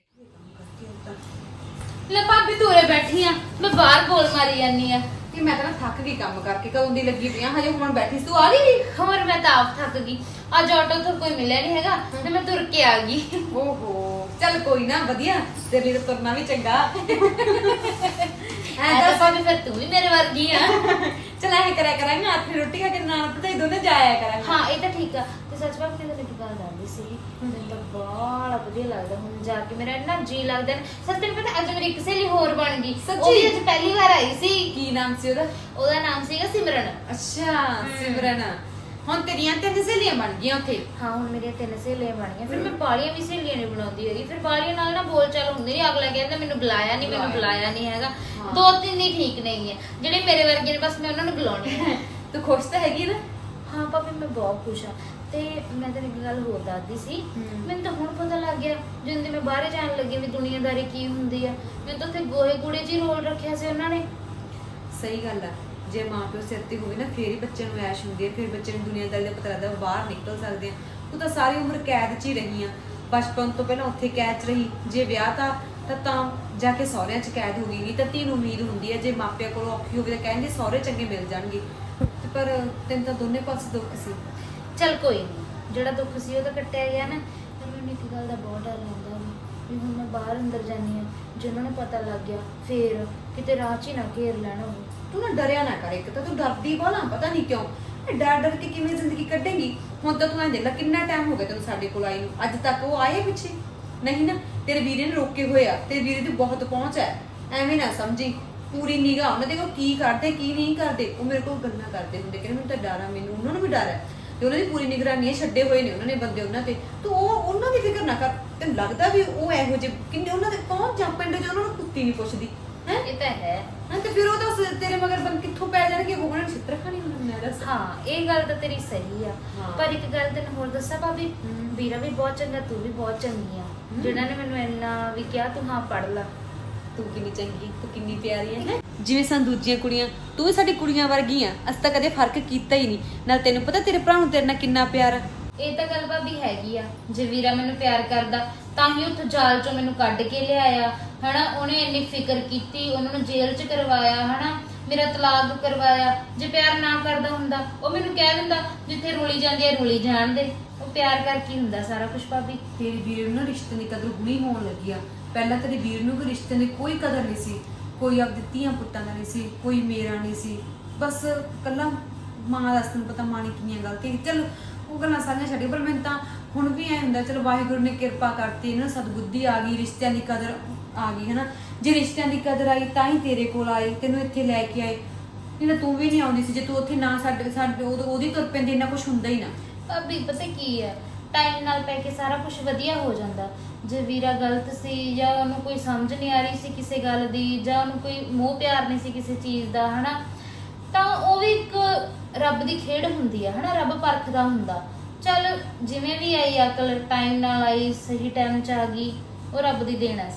S2: ਲੈ ਭਾਬੀ ਤੂੰ ਉਰੇ ਬੈਠੀ ਆ, ਮੈਂ ਬਾਹਰ ਬੋਲ ਮਾਰੀ ਜਾਨੀ ਆ।
S8: ਕਿ ਮੈਂ ਤਾਂ ਥੱਕ ਗਈ ਕੰਮ ਕਰਕੇ, ਕਦੋਂ ਦੀ ਲੱਗੀ ਪਈ ਆ, ਹਜੇ ਹੁਣ ਬੈਠੀ ਸੀ, ਤੂੰ ਆ ਗਈ?
S2: ਹੋਰ ਮੈਂ ਤਾਂ ਆਪ ਥੱਕ ਗਈ, ਅੱਜ ਆਟੋ ਤੋਂ ਕੋਈ ਮਿਲਿਆ ਨਹੀਂ ਹੈਗਾ ਤੇ ਮੈਂ ਤੁਰ ਕੇ ਆ ਗਈ।
S8: ਓਹੋ ਚੱਲ ਕੋਈ ਨਾ, ਵਧੀਆ, ਤੇਰੇ ਲਈ ਤਾਂ ਤੁਰਨਾ ਵੀ ਚੰਗਾ।
S2: ਐ ਤਾਂ ਭਾਬੀ ਫਿਰ ਤੂੰ ਵੀ ਮੇਰੇ ਵਰਗੀ ਆ।
S8: ਚਲ ਐ ਕਰਿਆ ਕਰਾਂਗੇ, ਹੱਥ ਰੋਟੀ ਖਾ ਕੇ ਨਾਲ ਪਤਾ ਦੋਨੇ ਜਾਇਆ ਕਰਾਂਗੇ।
S2: ਹਾਂ ਇਹ ਤਾਂ ਠੀਕ ਆ। ਤੇ ਸੱਚ ਭਾਬੀ ਤੈਨੂੰ ਇੱਕ ਗੱਲ ਦੱਸਦੀ ਸੀ, ਮੈਨੂੰ ਤਾਂ ਬੜਾ ਵਧੀਆ ਲੱਗਦਾ ਹੁਣ ਜਾ ਕੇ, ਮੇਰਾ ਇੰਨਾ ਜੀ ਲੱਗਦਾ। ਸੱਚ ਤੈਨੂੰ ਪਤਾ ਅੱਜ ਮੇਰੀ ਇੱਕ ਸਹੇਲੀ ਹੋਰ ਬਣ ਗਈ, ਉਹ ਵੀ ਅੱਜ ਪਹਿਲੀ ਵਾਰ ਆਈ ਸੀ।
S8: ਕੀ ਨਾਮ ਸੀ ਉਹਦਾ?
S2: ਉਹਦਾ ਨਾਮ ਸੀਗਾ ਸਿਮਰਨ।
S8: ਅੱਛਾ ਸਿਮਰਨ, ਹੁਣ ਤੇਰੀਆਂ ਤਿੰਨ ਸਹੇਲੀਆਂ ਬਣ ਗਈਆਂ ਉੱਥੇ?
S2: ਹਾਂ ਹੁਣ ਮੇਰੀਆਂ ਤਿੰਨ ਸਹੇਲੀਆਂ ਬਣ ਗਈਆਂ। ਫਿਰ ਮੈਂ ਬਾਲੀਆਂ ਵੀ ਸਹੇਲੀਆਂ ਨਹੀਂ ਬਣਾਉਂਦੀ ਹੈਗੀ, ਫਿਰ ਬਾਲੀਆਂ ਨਾਲ ਨਾ ਬੋਲ ਚਾਲ ਹੁੰਦੀ ਨਹੀਂ, ਅਗਲਾ ਕਹਿੰਦਾ ਮੈਨੂੰ ਬੁਲਾਇਆ ਨਹੀਂ, ਮੈਨੂੰ ਬੁਲਾਇਆ ਨਹੀਂ ਹੈਗਾ। ਦੋ ਤਿੰਨ ਹੀ ਠੀਕ ਨਹੀਂ ਹੈ, ਜਿਹੜੇ ਮੇਰੇ ਵਰਗੇ ਨੇ ਬਸ ਮੈਂ ਉਹਨਾਂ ਨੂੰ ਬੁਲਾਉਣੀ ਹੈ।
S8: ਤੂੰ ਖੁਸ਼ ਤਾਂ ਹੈਗੀ ਨਾ?
S2: ਹਾਂ ਭਾਬੀ ਮੈਂ ਬਹੁਤ ਖੁਸ਼ ਹਾਂ। ਤੇ ਮੈਂ ਤੈਨੂੰ ਇੱਕ ਗੱਲ ਹੋਰ ਦੱਸਦੀ ਸੀ, ਮੈਨੂੰ ਤਾਂ ਹੁਣ ਪਤਾ ਲੱਗ ਗਿਆ ਜਦੋਂ ਦੀ ਮੈਂ ਬਾਹਰ ਜਾਣ ਲੱਗੀ ਵੀ ਦੁਨੀਆਦਾਰੀ ਕੀ ਹੁੰਦੀ ਆ। ਮੈਨੂੰ ਤਾਂ ਉੱਥੇ ਗੋਹੇ ਕੂੜੇ 'ਚ ਹੀ ਰੋਲ ਰੱਖਿਆ ਸੀ ਉਹਨਾਂ ਨੇ।
S8: ਸਹੀ ਗੱਲ ਆ, ਜੇ ਮਾਂ ਪਿਓ ਸਿਰ ਤੇ ਹੋਵੇ ਨਾ ਫੇਰ ਹੀ ਬੱਚਿਆਂ ਨੂੰ ਐਸ਼ ਹੁੰਦੀ ਹੈ, ਫਿਰ ਬੱਚੇ ਨੂੰ ਦੁਨੀਆਦਾਰੀ ਦਾ ਪਤਾ ਲੱਗਦਾ, ਉਹ ਬਾਹਰ ਨਿਕਲ ਸਕਦੇ ਆ। ਤੂੰ ਤਾਂ ਸਾਰੀ ਉਮਰ ਕੈਦ 'ਚ ਹੀ ਰਹੀ ਆ, ਬਚਪਨ ਤੋਂ ਪਹਿਲਾਂ ਉੱਥੇ ਕੈਦ 'ਚ ਰਹੀ, ਜੇ ਵਿਆਹ ਤਾਂ ਤਾਂ ਤਾਂ ਜਾ ਕੇ ਸਹੁਰਿਆਂ 'ਚ ਕੈਦ ਹੋ ਗਈ। ਨਹੀਂ ਤਾਂ ਧੀ ਨੂੰ ਉਮੀਦ ਹੁੰਦੀ ਹੈ ਜੇ ਮਾਪਿਆਂ ਕੋਲੋਂ ਔਖੀ ਹੋਵੇ ਤਾਂ ਕਹਿੰਦੇ ਸਹੁਰੇ ਚੰਗੇ ਮਿਲ ਜਾਣਗੇ, ਪਰ ਤੈਨੂੰ ਤਾਂ ਦੋਨੇ ਪਾਸੇ ਦੁੱਖ ਸੀ।
S2: ਚੱਲ ਕੋਈ ਨਹੀਂ, ਜਿਹੜਾ ਦੁੱਖ ਸੀ ਉਹ ਤਾਂ ਕੱਟਿਆ ਗਿਆ ਨਾ। ਪਰ ਮੈਨੂੰ ਇੱਕ ਗੱਲ ਦਾ ਬਹੁਤ ਡਰ ਲੱਗਦਾ ਵੀ ਵੀ ਹੁਣ ਮੈਂ ਬਾਹਰ ਅੰਦਰ ਜਾਂਦੀ ਹਾਂ, ਜੇ ਉਹਨਾਂ ਨੂੰ ਪਤਾ ਲੱਗ ਗਿਆ ਫੇਰ ਕਿਤੇ ਰਾਹ 'ਚ ਹੀ ਨਾ ਘੇਰ ਲੈਣਾ ਹੋਵੇ।
S8: ਤੂੰ ਨਾ ਡਰਿਆ ਨਾ ਕਰ, ਇੱਕ ਤਾਂ ਤੂੰ ਡਰਦੀ ਬਾਲਾ, ਪਤਾ ਨਹੀਂ ਕਿਉਂ ਡਰ ਡਰ ਕੇ ਕਿਵੇਂ ਜ਼ਿੰਦਗੀ ਕੱਢੇਂਗੀ। ਹੁਣ ਤਾਂ ਤੂੰ ਐਂ ਦੇਖ ਲੈ ਕਿੰਨਾ ਟਾਈਮ ਹੋ ਗਿਆ ਤੈਨੂੰ ਸਾਡੇ ਕੋਲ ਆਈ ਨੂੰ, ਅੱਜ ਤੱਕ ਉਹ ਆਏ ਪਿੱਛੇ ਨਹੀਂ ਨਾ, ਤੇਰੇ ਵੀਰੇ ਨੇ ਰੋਕੇ ਹੋਏ ਆ, ਤੇਰੇ ਵੀਰੇ ਦੀ ਬਹੁਤ ਪਹੁੰਚ ਹੈ, ਐਵੇਂ ਨਾ ਸਮਝੀ। ਪੂਰੀ ਨਿਗਾਹ ਉਹਨਾਂ ਦੇ ਕੋਲ, ਕੀ ਕਰਦੇ ਕੀ ਨਹੀਂ ਕਰਦੇ। ਉਹ ਮੇਰੇ ਕੋਲ ਗੱਲਾਂ ਕਰਦੇ ਹੁੰਦੇ, ਕਹਿੰਦੇ ਮੈਨੂੰ ਤਾਂ ਡਰ ਆ, ਮੈਨੂੰ ਉਹਨਾਂ ਨੂੰ ਵੀ ਡਰ ਹੈ, ਤੇ ਉਹਨਾਂ ਦੀ ਪੂਰੀ ਨਿਗਰਾਨੀ ਛੱਡੇ ਹੋਏ ਨੇ ਉਹਨਾਂ ਨੇ ਬੰਦੇ ਉਹਨਾਂ ਤੇ। ਤੂੰ ਉਹ ਉਹਨਾਂ ਦੀ ਫਿਕਰ ਨਾ ਕਰ, ਤੈਨੂੰ ਲੱਗਦਾ ਵੀ ਉਹ ਇਹੋ ਜਿਹੇ ਕਿੰਨੇ ਉਹਨਾਂ ਦੇ ਪਹੁੰਚ ਜਾ, ਪਿੰਡ 'ਚ ਉਹਨਾਂ ਨੂੰ ਕੁੱਤੀ ਨਹੀਂ ਪੁੱਛਦੀ ਹੈ।
S2: ਇਹ ਤਾਂ ਹੈ।
S8: ਹਾਂ ਤੇ ਫਿਰ ਉਹ ਤਾਂ ਸ- ਤੇਰੇ ਮਗਰ ਬੰ ਕਿੱਥੋਂ ਪੈ ਜਾਣਗੇ, ਉਹ ਉਹਨਾਂ ਨੇ ਛਿੱਤਰ ਖਾਣੀ ਹੁੰਦੀ ਮੈਂ ਦੱਸ।
S2: ਹਾਂ ਇਹ ਗੱਲ ਤਾਂ ਤੇਰੀ ਸਹੀ ਆ,
S8: ਹਾਂ।
S2: ਪਰ ਇੱਕ ਗੱਲ ਤੈਨੂੰ ਹੋਰ ਦੱਸਾਂ ਭਾਬੀ,
S8: ਹਮ।
S2: ਵੀਰਾ ਵੀ ਬਹੁਤ ਚੰਗਾ, ਤੂੰ ਵੀ ਬਹੁਤ ਚੰਗੀ ਆ, ਜਿਹਨਾਂ ਨੇ ਮੈਨੂੰ ਇੰਨਾ ਵੀ ਕਿਹਾ ਤੂੰ ਹਾਂ ਪੜ੍ਹ ਲਾ।
S8: ਤੂੰ ਕਿੰਨੀ ਚੰਗੀ, ਤੂੰ ਕਿੰਨੀ ਪਿਆਰੀ ਹੈ, ਜਿਵੇਂ ਸਾਨੂੰ ਦੂਜੀਆਂ ਕੁੜੀਆਂ, ਤੂੰ ਵੀ ਸਾਡੀ ਕੁੜੀਆਂ ਵਰਗੀ ਆ। ਅਸੀਂ ਤਾਂ ਕਦੇ ਫਰਕ ਕੀਤਾ ਹੀ ਨਹੀਂ। ਨਾਲ ਤੈਨੂੰ ਪਤਾ ਤੇਰੇ ਭਰਾ ਨੂੰ ਤੇਰੇ ਨਾਲ ਕਿੰਨਾ ਪਿਆਰ ਆ।
S2: ਇਹ ਤਾਂ ਗੱਲ ਭਾਬੀ ਹੈਗੀ ਆ, ਜੇ ਵੀਰਾ ਮੈਨੂੰ ਪਿਆਰ ਕਰਦਾ ਤਾਂ ਹੀ ਉੱਥੋਂ ਜਾਲ ਚੋਂ ਮੈਨੂੰ ਕੱਢ ਕੇ ਲਿਆਇਆ ਹਨਾ, ਉਹਨੇ ਇੰਨੀ ਫਿਕਰ ਕੀਤੀ, ਉਹਨਾਂ ਨੂੰ ਜੇਲ੍ਹ 'ਚ ਕਰਵਾਇਆ ਹਨਾ, ਮੇਰਾ ਤਲਾਕ ਕਰਵਾਇਆ। ਜੇ ਪਿਆਰ ਨਾ ਕਰਦਾ ਹੁੰਦਾ ਉਹ ਮੈਨੂੰ ਕਹਿ ਦਿੰਦਾ ਜਿੱਥੇ ਰੁਲੀ ਜਾਂਦੀ ਹੈ ਰੁਲੀ ਜਾਣ ਦੇ। ਉਹ ਪਿਆਰ ਕਰਕੇ ਹੀ ਹੁੰਦਾ ਸਾਰਾ ਕੁਝ ਭਾਬੀ।
S8: ਤੇਰੇ ਵੀਰ ਨੂੰ ਨਾ ਰਿਸ਼ਤੇ ਦੀ ਕਦਰ ਹੁਣੀ ਹੋਣ ਲੱਗੀ ਆ, ਪਹਿਲਾਂ ਤੇਰੇ ਵੀਰ ਨੂੰ ਕੋਈ ਰਿਸ਼ਤੇ ਦੀ ਕੋਈ ਕਦਰ ਨਹੀਂ ਸੀ, ਕੋਈ ਆਪਦੀ ਧੀਆਂ ਪੁੱਤਾਂ ਦਾ ਨਹੀਂ ਸੀ, ਕੋਈ ਮੇਰਾ ਨਹੀਂ ਸੀ, ਬਸ ਕੱਲਾ ਮਾਂ ਦਾ। ਤੈਨੂੰ ਪਤਾ ਮਾਂ ਨੇ ਕਿੰਨੀਆਂ ਗਲਤੀਆਂ, ਚਲ ਉਹ ਗੱਲਾਂ ਸਾਰੀਆਂ ਛੱਡ, ਪਰ ਮੈਨੂੰ ਤਾਂ ਹੁਣ ਵੀ ਐ ਹੁੰਦਾ ਚਲ ਵਾਹਿਗੁਰੂ ਨੇ ਕਿਰਪਾ ਕਰਤੀ, ਇਹਨਾਂ ਸਤਬੁੱਧੀ ਆ ਗਈ, ਰਿਸ਼ਤਿਆਂ ਦੀ ਕਦਰ ਆ ਗਈ ਹਨਾ। ਜੇ ਰਿਸ਼ਤਿਆਂ ਦੀ ਕਦਰ ਆਈ ਤਾਂ ਹੀ ਤੇਰੇ ਕੋਲ ਆਏ, ਤੈਨੂੰ ਇੱਥੇ ਲੈ ਕੇ ਆਏ, ਨਹੀਂ ਤਾਂ ਤੂੰ ਵੀ ਨਹੀਂ ਆਉਂਦੀ ਸੀ ਜੇ ਤੂੰ ਉੱਥੇ ਨਾ ਸਾਡੇ ਸਾਡੇ ਉਹਦੀ ਤੁਰ ਪੈਂਦੀ, ਇੰਨਾ ਕੁਛ ਹੁੰਦਾ ਹੀ ਨਾ।
S2: ਭਾਬੀ ਪਤਾ ਕੀ ਹੈ, ਟਾਈਮ ਨਾਲ ਪੈ ਕੇ ਸਾਰਾ ਕੁਝ ਵਧੀਆ ਹੋ ਜਾਂਦਾ। ਜੇ ਵੀਰਾ ਗਲਤ ਸੀ ਜਾਂ ਉਹਨੂੰ ਕੋਈ ਸਮਝ ਨਹੀਂ ਆ ਰਹੀ ਸੀ ਕਿਸੇ ਗੱਲ ਦੀ, ਜਾਂ ਉਹਨੂੰ ਕੋਈ ਮੋਹ ਪਿਆਰ ਨਹੀਂ ਸੀ ਕਿਸੇ ਚੀਜ਼ ਦਾ ਹਨਾ, ਤਾਂ ਉਹ ਵੀ ਇੱਕ ਰੱਬ ਦੀ ਖੇਡ ਹੁੰਦੀ ਆ ਹਨਾ, ਰੱਬ ਪਰਖਦਾ ਹੁੰਦਾ। ਚੱਲ ਜਿਵੇਂ ਵੀ ਆਈ ਅਕਲ, ਟਾਈਮ ਨਾਲ ਆਈ, ਸਹੀ ਟਾਈਮ 'ਚ ਆ ਗਈ, ਉਹ ਰੱਬ ਦੀ ਦੇਣ ਹੈ ਸਾਰੀ।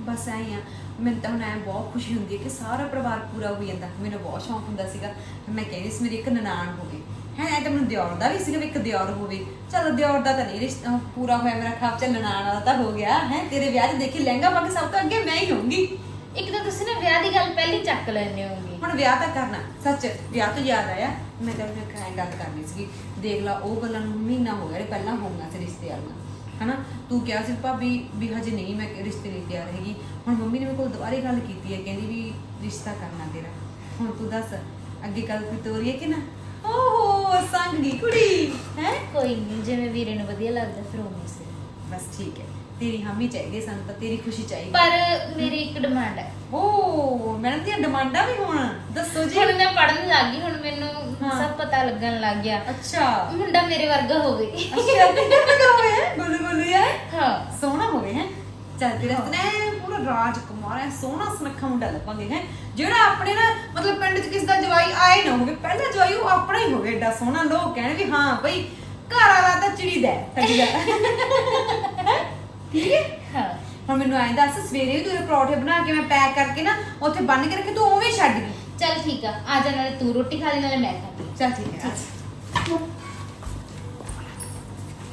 S8: ਬਸ ਐਂ ਹੀ ਆ, ਮੈਨੂੰ ਤਾਂ ਹੁਣ ਐਂ ਬਹੁਤ ਖੁਸ਼ੀ ਹੁੰਦੀ ਹੈ ਕਿ ਸਾਰਾ ਪਰਿਵਾਰ ਪੂਰਾ ਹੋ ਜਾਂਦਾ। ਮੈਨੂੰ ਬਹੁਤ ਸ਼ੌਂਕ ਹੁੰਦਾ ਸੀਗਾ, ਮੈਂ ਕਹਿੰਦੀ ਸੀ ਮੇਰੀ ਇੱਕ ਨਨਾਣ ਹੋਵੇ ਹੈ, ਐ ਤਾਂ ਮੈਨੂੰ ਦਿਓਰ ਦਾ ਵੀ ਸੀਗਾ ਵੀ ਇੱਕ ਦਿਓਰ ਹੋਵੇ। ਚਲੋ ਦਿਓਰ ਦਾ ਤਾਂ ਨਹੀਂ ਰਿਸ਼ਤਾ ਪੂਰਾ ਹੋਇਆ ਮੇਰਾ ਖਾਬ, ਚੱਲ ਨਨਾਣ ਵਾਲਾ ਤਾਂ ਹੋ ਗਿਆ ਹੈ। ਤੇਰੇ ਵਿਆਹ 'ਚ ਦੇਖੀ ਲਹਿੰਗਾ ਪਾ ਕੇ ਸਭ ਤੋਂ ਅੱਗੇ ਮੈਂ ਹੀ ਹੋਊਂਗੀ।
S2: ਇੱਕ ਤਾਂ ਤੁਸੀਂ ਨਾ ਵਿਆਹ ਦੀ ਗੱਲ ਪਹਿਲੀ ਚੱਕ ਲੈਣੇ ਹੋਗੇ।
S8: ਹੁਣ ਵਿਆਹ ਤਾਂ ਕਰਨਾ, ਸੱਚ ਵਿਆਹ ਤੋਂ ਯਾਦ ਆਇਆ, ਮੈਂ ਤਾਂ ਆਪਣੇ ਖਾਏ ਗੱਲ ਕਰਨੀ ਸੀਗੀ। ਦੇਖ ਲਾ ਉਹ ਗੱਲਾਂ ਨੂੰ ਮਹੀਨਾ ਹੋ ਗਿਆ, ਪਹਿਲਾਂ ਹੋਣਾ ਸੀ ਰਿਸ਼ਤੇ ਵਾਲੀਆਂ ਹਨਾ। ਤੂੰ ਕਿਹਾ ਸੀ ਭਾਬੀ ਵੀ ਹਜੇ ਨਹੀਂ ਮੈਂ ਰਿਸ਼ਤੇ ਲਈ ਤਿਆਰ ਹੈਗੀ। ਹੁਣ ਮੰਮੀ ਨੇ ਮੇਰੇ ਕੋਲ ਦੁਬਾਰੇ ਗੱਲ ਕੀਤੀ ਹੈ, ਕਹਿੰਦੀ ਵੀ ਰਿਸ਼ਤਾ ਕਰਨਾ ਤੇਰਾ। ਹੁਣ ਤੂੰ ਦੱਸ ਅੱਗੇ ਗੱਲ ਕੋਈ ਤੋਰੀ ਹੈ ਕਿ ਨਾ? ਓਹੋ ਸੰਗੀ ਕੁੜੀ ਹੈ।
S2: ਕੋਈ ਨਹੀਂ, ਜਿਵੇਂ ਵੀਰੇ ਨੂੰ ਵਧੀਆ ਲੱਗਦਾ ਫਿਰ ਉਵੇਂ ਸੀ।
S8: ਬਸ ਠੀਕ ਹੈ, ਤੇਰੀ ਹਾਮੀ ਚਾਹੀਦੀ ਸਾਨੂੰ ਤਾਂ, ਤੇਰੀ ਖੁਸ਼ੀ ਚਾਹੀਦੀ।
S2: ਪਰ ਮੇਰੀ ਇੱਕ ਡਿਮਾਂਡ ਹੈ।
S8: ਓ ਮੈਡਮ ਦੀਆਂ ਡਿਮਾਂਡਾਂ ਵੀ ਹੋਣ, ਦੱਸੋ ਜੀ।
S2: ਹੁਣ ਮੈਂ ਪੜਨ ਲੱਗ ਗਈ, ਹੁਣ ਮੈਨੂੰ
S8: ਹਾਂ।
S2: ਸਭ ਪਤਾ ਲੱਗਣ ਲੱਗ ਗਿਆ।
S8: ਅੱਛਾ
S2: ਮੁੰਡਾ ਮੇਰੇ ਵਰਗਾ ਹੋਵੇ।
S8: ਅੱਛਾ ਤੇਰੇ ਵਰਗਾ ਹੋਵੇ, ਗੋਲੂ ਗੋਲੂ ਯਾਰ
S2: ਹਾਂ
S8: ਸੋਹਣਾ ਹੋਵੇ ਹੈ। ਚੱਲ ਤੇਰੇ ਵਾਸਤੇ ਨਾ ਪੂਰਾ ਰਾਜਕੁਮਾਰ ਹੈ, ਸੋਹਣਾ ਸੁਨੱਖਾ ਮੁੰਡਾ ਲੱਭਾਂਗੇ ਹੈ, ਜਿਹੜਾ ਆਪਣੇ ਨਾ ਮਤਲਬ ਪਿੰਡ 'ਚ ਕਿਸ ਦਾ ਜਵਾਈ ਆਏ ਨਾ ਹੋਵੇ, ਪਹਿਲਾ ਜਵਾਈ ਉਹ ਆਪਣਾ ਹੀ ਹੋਵੇ, ਏਡਾ ਸੋਹਣਾ, ਲੋਕ ਕਹਿਣ ਵੀ ਹਾਂ ਬਈ ਘਰ ਵਾਲਾ ਤਾਂ ਚਿੜੀ ਦਾ ਠੱਗੀ ਦਾ। ਠੀਕ ਹੈ।
S2: ਹਾਂ
S8: ਹੁਣ ਮੈਨੂੰ ਐਂ ਦੱਸ, ਸਵੇਰੇ ਵੀ ਤੂੰ ਪਰੌਠੇ ਬਣਾ ਕੇ ਮੈਂ ਪੈਕ ਕਰਕੇ ਨਾ ਉੱਥੇ ਬੰਨ ਕੇ ਰੱਖੇ, ਤੂੰ ਉਵੇਂ ਛੱਡ ਗਈ।
S2: ਚੱਲ ਠੀਕ ਆ, ਆ ਜਾ, ਨਾਲੇ ਤੂੰ ਰੋਟੀ ਖਾ ਲਈ ਨਾਲੇ ਮੈਂ ਖਾ ਲਈ।
S8: ਚੱਲ ਠੀਕ ਹੈ।